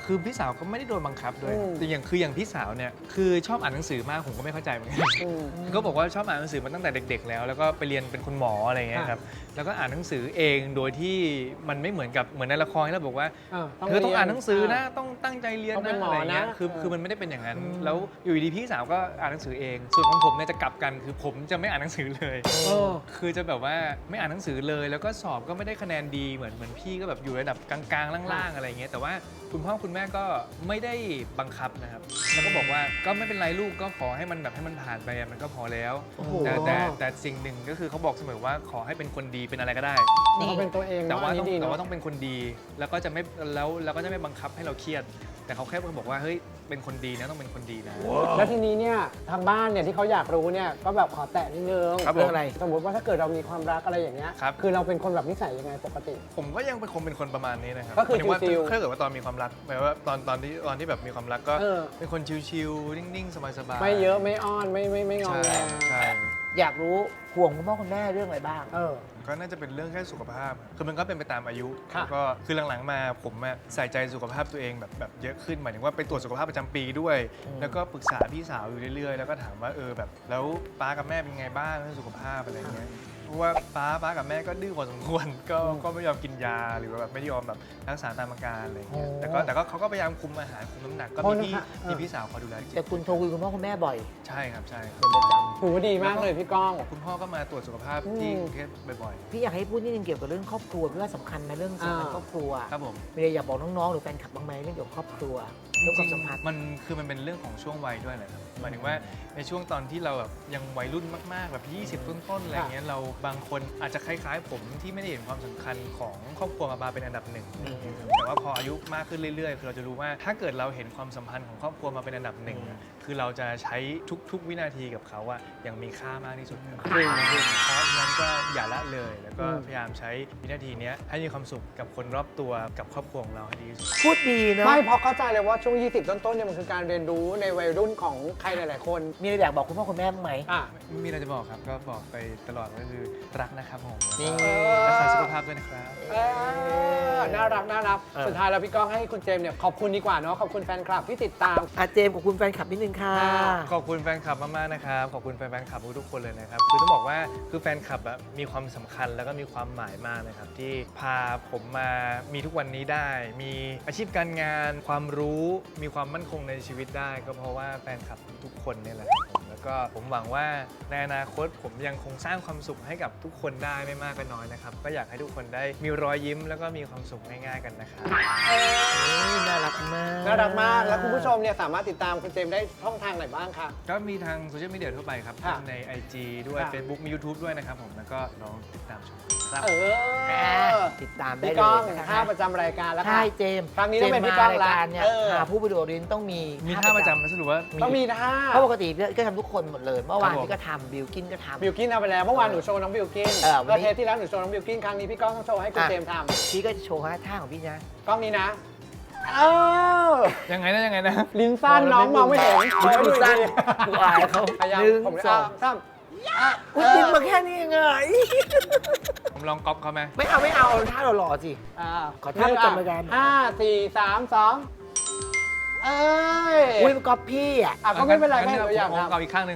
Speaker 2: คือพี่สาวก็ไม่ได้โดนบังคับด้วย
Speaker 3: อืม
Speaker 2: แต่อย่างคืออย่างพี่สาวเนี่ยคือชอบอ่านหนังสือมากผมก็ไม่เข้าใจเหมือนกัน
Speaker 3: อืม
Speaker 2: ก็บอกว่าชอบอ่านหนังสือมาตั้งแต่เด็ก ๆ แล้วแล้วก็ไปเรียนเป็นคุณหมออะไรอย่างเงี้ยครับแล้วก็อ่านหนังสือเองโดยที่มันไม่เหมือนกับเหมือนในละครที่เราบอกว่า
Speaker 3: เออ
Speaker 2: เธอต้องอ่านหนังสือนะ
Speaker 3: เ
Speaker 2: ต้องตั้งใจเรียน
Speaker 3: ต้องเป็
Speaker 2: นะ
Speaker 3: นหมอ
Speaker 2: อะไรอย่างเงี้ย
Speaker 3: นะ
Speaker 2: คือ
Speaker 3: เออ
Speaker 2: คือมันไม่ได้เป็นอย่างนั้น แล้วอยู่ดีๆพี่สาวก็อ่านหนังสือเอง ส่วนของผมเนี่ยจะกลับกันคือผมจะไม่อ่านหนังสือเลย
Speaker 3: เออ
Speaker 2: คือจะแบบว่าไม่อ่านหนังสือเลย แล้วก็สอบก็ไม่ได้คะแนนดีเหมือนเหมือนพี่ก็แบบอยู่ระดับกลางๆล่างๆอะไรอย่างเงี้ยแต่ว่าคุณพ่อคุณแม่ก็ไม่ได้บังคับนะครับแล้วก็บอกว่าก็ไม่เป็นไรลูกก็ขอให้มันแบบให้มันผ่านไปอะมันก็พอแล้ว
Speaker 3: โอ้โห
Speaker 2: แต่แต่แต่สิ่งหนึ่งก็คือเขาบอกเสมอว่าขอให้เป็นคนดีเป็นอะไรก็ได้
Speaker 3: เราเป็นตัวเอง
Speaker 2: แต่
Speaker 3: เนาะ
Speaker 2: ว่า
Speaker 3: อัน
Speaker 2: ต้อง
Speaker 3: นี้ดี
Speaker 2: แต่
Speaker 3: เนาะ
Speaker 2: ว่าต้องเป็นคนดีแล้วก็จะไม่แล้วแล้วก็จะไม่บังคับให้เราเครียด แต่เขาแค่บอกว่าเฮ้ยเป็นคนดีนะต้องเป็นคนดีนะ
Speaker 3: แล้วทีนี้เนี่ยทางบ้านเนี่ยที่เขาอยากรู้เนี่ยก็แบบขอแตะนิดนึง
Speaker 2: ครับผม
Speaker 3: เรื่องอะไรสมมติว่าถ้าเกิดเรามีความรักอะไรอย่างเงี้ย
Speaker 2: ครับ
Speaker 3: คือเราเป็นคนแบบนิสัยยังไงปกติ
Speaker 2: ผมก็ยังเป็นคงเป็นคนประมาณนี้นะครับ
Speaker 3: ก็คือ
Speaker 2: หมายถึงว่า
Speaker 3: ชิลๆ
Speaker 2: ถ้าเกิดว่าตอนมีความรักหมายว่าตอนตอนที่ตอนที่แบบมีความรักก็
Speaker 3: เออ
Speaker 2: เป็นคนชิลๆนิ่งๆสบายๆ
Speaker 3: ไม่เยอะไม่อ้อนไม่ไม่ไม่งอ
Speaker 2: ใช่
Speaker 3: แง
Speaker 2: ใช่
Speaker 1: อยากรู้ห่วงคุณพ่อคุณแม่เรื่องอะไรบ้าง
Speaker 3: เออ
Speaker 2: ก็น่าจะเป็นเรื่องแค่สุขภาพ คือมันก็เป็นไปตามอายุ
Speaker 3: ค่ะ
Speaker 2: แล้วก็คือหลังๆมาผมอะใส่ใจสุขภาพตัวเองแบบแบบเยอะขึ้นหมายถึงว่าไปตรวจสุขภาพประจำปีด้วย
Speaker 1: อืม
Speaker 2: แล้วก็ปรึกษาพี่สาวอยู่เรื่อยๆ แล้วก็ถามว่าเออแบบแล้วป้ากับแม่เป็นไงบ้างเรื่องสุขภาพอะไรเงี้ย เพราะว่าป้าป้ากับแม่ก็ดื้อพอสมควร ก็ก็ไม่ยอมกินยาหรือว่าแบบไม่ยอมแบบรักษาตามอาการอะไรเงี้ย
Speaker 3: โอ้
Speaker 2: แต่ก็แต่ก็เขาก็พยายามคุมอาหารคุมน้ำหนักก็
Speaker 3: โท
Speaker 2: มี
Speaker 3: ษ
Speaker 2: พี่
Speaker 3: นะคะเออ
Speaker 2: มีพี่สาวคอยดูแลจริง
Speaker 1: แต่คุณโทรคุยกับคุณพ่อคุณแม่บ่อย
Speaker 2: ใช่ครับใช่ครับ
Speaker 1: เป็นประจ
Speaker 3: ถือว่าดีมากเลยพี่ก้อง
Speaker 2: คุณพ่อก็มาตรวจสุขภาพที่กรุงเทพบ่อย
Speaker 1: พี่อยากให้พูดนิดนึงเกี่ยวกับเรื่องครอบครัวพี่ว่าสำคัญนะเรื่องสำคัญ
Speaker 3: อ่า
Speaker 1: ครอบครัว
Speaker 2: ๆครับผม
Speaker 1: มีอะไรอยากบอกน้องๆหรือแฟนคลับบ้างไหมเรื่องเกี่ยวกับครอบครัวเรื่องความสัมพันธ์
Speaker 2: มันคือมันเป็นเรื่องของช่วงวัยด้วยแหละครับหมายถึงว่าในช่วงตอนที่เราแบบยังวัยรุ่นมากๆแบบยี่สิบต้นๆอะไรเงี้ยเราบางคนอาจจะคล้ายๆ ผมที่ไม่ได้เห็นความสำคัญของครอบครัวมาเป็นอันดับหนึ่งแต่ว่าพออายุมากขึ้นเรื่อยๆคือเราจะรู้ว่าถ้าเกิดเราเห็นความสัมพันธ์ของครอบครัวมาเป็นอันดับหนึ่งอะคือเราจะใช้ทุกๆวินาทีกับเขาอะอย่างมีค่ามากที่สุดเพราะฉะนั้นก็อย่าละเลยแล้วก็พยายามใช้วินาทีเนี้ยให้มีความสุขกับคนรอบตัวกับครอบครัวของเราให้ดีที่สุด
Speaker 1: พูดดีเนาะ
Speaker 3: ไม่เพราะเข้าใจเลยว่าช่วง ยี่สิบ ต้นๆเนี่ยมันคือการเรียนรู้ในวัยรุ่นของใครหลายๆคน
Speaker 1: มีอะไรอยากบอกคุณพ่อคุณแม่บ้างไหม
Speaker 3: อ่ะ
Speaker 2: มีอะไรจะบอกครับก็บอกไปตลอดก็คือรักนะครับผม
Speaker 1: นี่
Speaker 2: รักษาสุขภาพด้วยนะครับ
Speaker 3: เออน่ารักน่ารัก
Speaker 1: เออ
Speaker 3: สุดท้ายแล้วพี่ก้องให้คุณเจมส์เนี่ยขอบคุณดีกว่าเนาะขอบคุณแฟนคลับที่ติดตาม
Speaker 1: อาเจมส์กับคุณแฟนคลับนิดนึงค่ะ
Speaker 2: ขอบคุณแฟนคลับมากๆนะครับขอบคุณแฟนๆคลับทุกๆคนเลยนะครับคือต้องบอกว่าคือแฟนคลับอะมีความสำคัญแล้วก็มีความหมายมากนะครับที่พาผมมามีทุกวันนี้ได้ มีอาชีพการงานความรู้มีความมั่นคงในชีวิตได้ ก็เพราะว่าแฟนคลับทุกคนเนี่ยแหละครับผมแล้วก็ผมหวังว่าในอนาคตผมยังคงสร้างความสุขให้กับทุกคนได้ไม่มากก็น้อยนะครับก็อยากให้ทุกคนได้มีรอยยิ้มแล้วก็มีความสุขง่ายๆกันนะครับ
Speaker 1: นี่น่ารักมาก
Speaker 3: น่ารักมาก แล้วคุณผู้ชมเนี่ยสามารถติดตามคุณเจมส์ได้ช่องทางไหนบ้างคะ
Speaker 2: ก็มีทางโซเชียลมีเดียทั่วไปครับ
Speaker 3: ค่ะ
Speaker 2: ใน ไอ จี ด้วย
Speaker 3: ค่ะ
Speaker 2: Facebook มี YouTube ด้วยนะครับผม แล้วก็ลองติดตามชมครับ
Speaker 3: เออ
Speaker 1: ติดตามได้
Speaker 3: พี่
Speaker 1: เล
Speaker 3: ก้อง
Speaker 1: ยนะคะ
Speaker 3: ท่าประจำรายการแล้วค่ะ
Speaker 1: ใช่เจมส์
Speaker 3: ครั้งนี้ต้องเป็นพี่ก้อง
Speaker 1: จมส์มารายการเนี่ย
Speaker 3: ละเออ
Speaker 1: หาผู้ประโยชน์เรียนต้องมี
Speaker 2: มีท่าประจำนะสรุปว่า
Speaker 3: ต้องมีท่า
Speaker 1: เพราะปกติก็ทำทุกคนหมดเลย เมื่อวาน
Speaker 2: ครับผม
Speaker 1: พี่ก็ทำบิวกินก็ทำ
Speaker 3: บิวกินทำไปแล้วเมื่อวานหนูโชว์น้องบิวกิน
Speaker 1: เออวันนี้
Speaker 3: แล้วเทปที่แล้วหนูโชว์น้องบิวกินครั้งนี้พี่ก้องต้องโชว์ให้คุณ
Speaker 1: อ่ะ
Speaker 3: เจมส์ท
Speaker 1: พี่ก็จะโชว์ท่าของพี่นะ
Speaker 3: ำกล้องนี้นะเออ
Speaker 2: ยังไงนะยังไงนะ
Speaker 3: ลิ้นสั้นน้องมองไม่เห็น
Speaker 1: ลิ้นดูสั้นกูอายเขา
Speaker 3: พยายาม
Speaker 1: หนึ่ง
Speaker 3: ผม
Speaker 1: สอง
Speaker 3: สาม
Speaker 1: กูดึงมาแค่นี้ไง
Speaker 2: ผมลองก๊อปเขาไหม
Speaker 1: ไม่เอาไม่เอาเอาท่าเราหล่อๆสิ
Speaker 3: อ่า
Speaker 1: ขอท่าประจำรายการ
Speaker 3: ห้าสี่สามสองเอ้ย
Speaker 1: อุ้ยมันก๊อปพี่อ่ะ
Speaker 3: อ่ะก็ไม่เป็นไร
Speaker 2: งั้
Speaker 3: แค่ตัวอย่าง
Speaker 2: ผม
Speaker 3: ทำ
Speaker 2: เอาอีกข้างหนึ่ง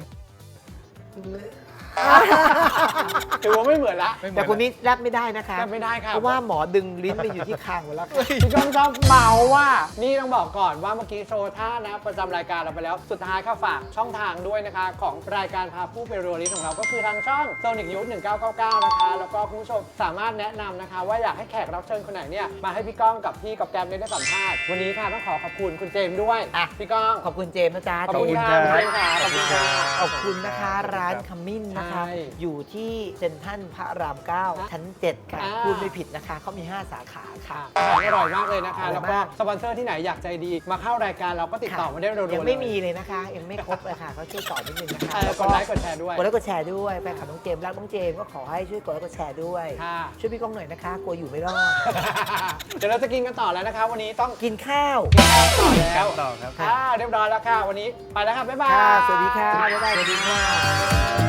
Speaker 3: ถือว่าไม่เหมือนละ
Speaker 2: ไม่เหมื
Speaker 1: แต่
Speaker 2: อน
Speaker 1: คนนี้แรปไม่ได้นะคะ
Speaker 3: แรปไม่ได้ค่ะ
Speaker 1: เพราะว่าหมอดึงลิ้นไปอยู่ที่คางหมดแล้วค่ะ
Speaker 3: พี่ก้องชอบเมาว่า นี่ต้องบอกก่อนว่าเมื่อกี้โชว์ท่านะประจำรายการเราไปแล้ว สุดท้ายค่ะฝากช่องทางด้วยนะคะ ของรายการพาผู้ไปรัวลิสของเรา ก็คือทางช่อง Sonic Youth หนึ่งเก้าเก้าเก้า นะคะ แล้วก็คุณผู้ชมสามารถแนะนำนะคะ ว่าอยากให้แขกรับเชิญคนไหนเนี่ยมาให้พี่ก้องกับพี่กับแกมเนี่ยได้สัมภาษณ์วันนี้ค่ะต้องขอขอบคุณคุณเจมส์ด้วย
Speaker 1: อ่ะ
Speaker 3: พี่ก้อง
Speaker 1: ขอบคุณเจมส์นะจ๊ะ
Speaker 3: ขอบคุณค่ะคุณเจมส์ค่ะขอบคุณค่ะ
Speaker 1: ขอบคุณนะคะร้านขมิ้นนะคะ
Speaker 3: ใช่
Speaker 1: อยู่ที่เซ็นทรัลพระรามเก้าชั้นเจ็ดค่ะ
Speaker 3: อ่า
Speaker 1: พูดไม่ผิดนะคะเขามีห้าสาขาค่ะ
Speaker 3: อาหารอร่อยมากเลยนะคะ
Speaker 1: อร่อย
Speaker 3: แล้วก็
Speaker 1: มาก
Speaker 3: สปอนเซอร์ที่ไหนอยากใจดี มาเข้ารายการเราก็ติดต่อมาได้เร็วๆ
Speaker 1: ยังไม่
Speaker 3: เลย
Speaker 1: มีเลยนะคะ ยังไม่ครบเลยค่ะเขาช่วยต่อนิดนึงนะคะ
Speaker 3: เออกดไลค์กดแชร์ด้วย
Speaker 1: กดไลค์กดแชร์ด้วยแฟนคลับน้องเจมส์รักน้องเจมส์ก็ขอให้ช่วยกดไลค์กดแชร์ด้วย
Speaker 3: ค่ะ
Speaker 1: ช่วยพี่ก้องหน่อยนะคะกลัวอยู่ไม่รอด
Speaker 3: เดี๋ยวเราจะกินกันต่อแล้วนะคะ วันนี้ต้อง
Speaker 1: กินข้าว
Speaker 3: ต่อแล้ว
Speaker 2: ต่อครับ
Speaker 3: ค่ะเรียบร้อยแล้วค่ะ วันนี้ไปแล้วค่ะ บ๊ายบาย
Speaker 1: ค่ะสวัสดีค่ะบ๊ายบายสวัสดีค่ะ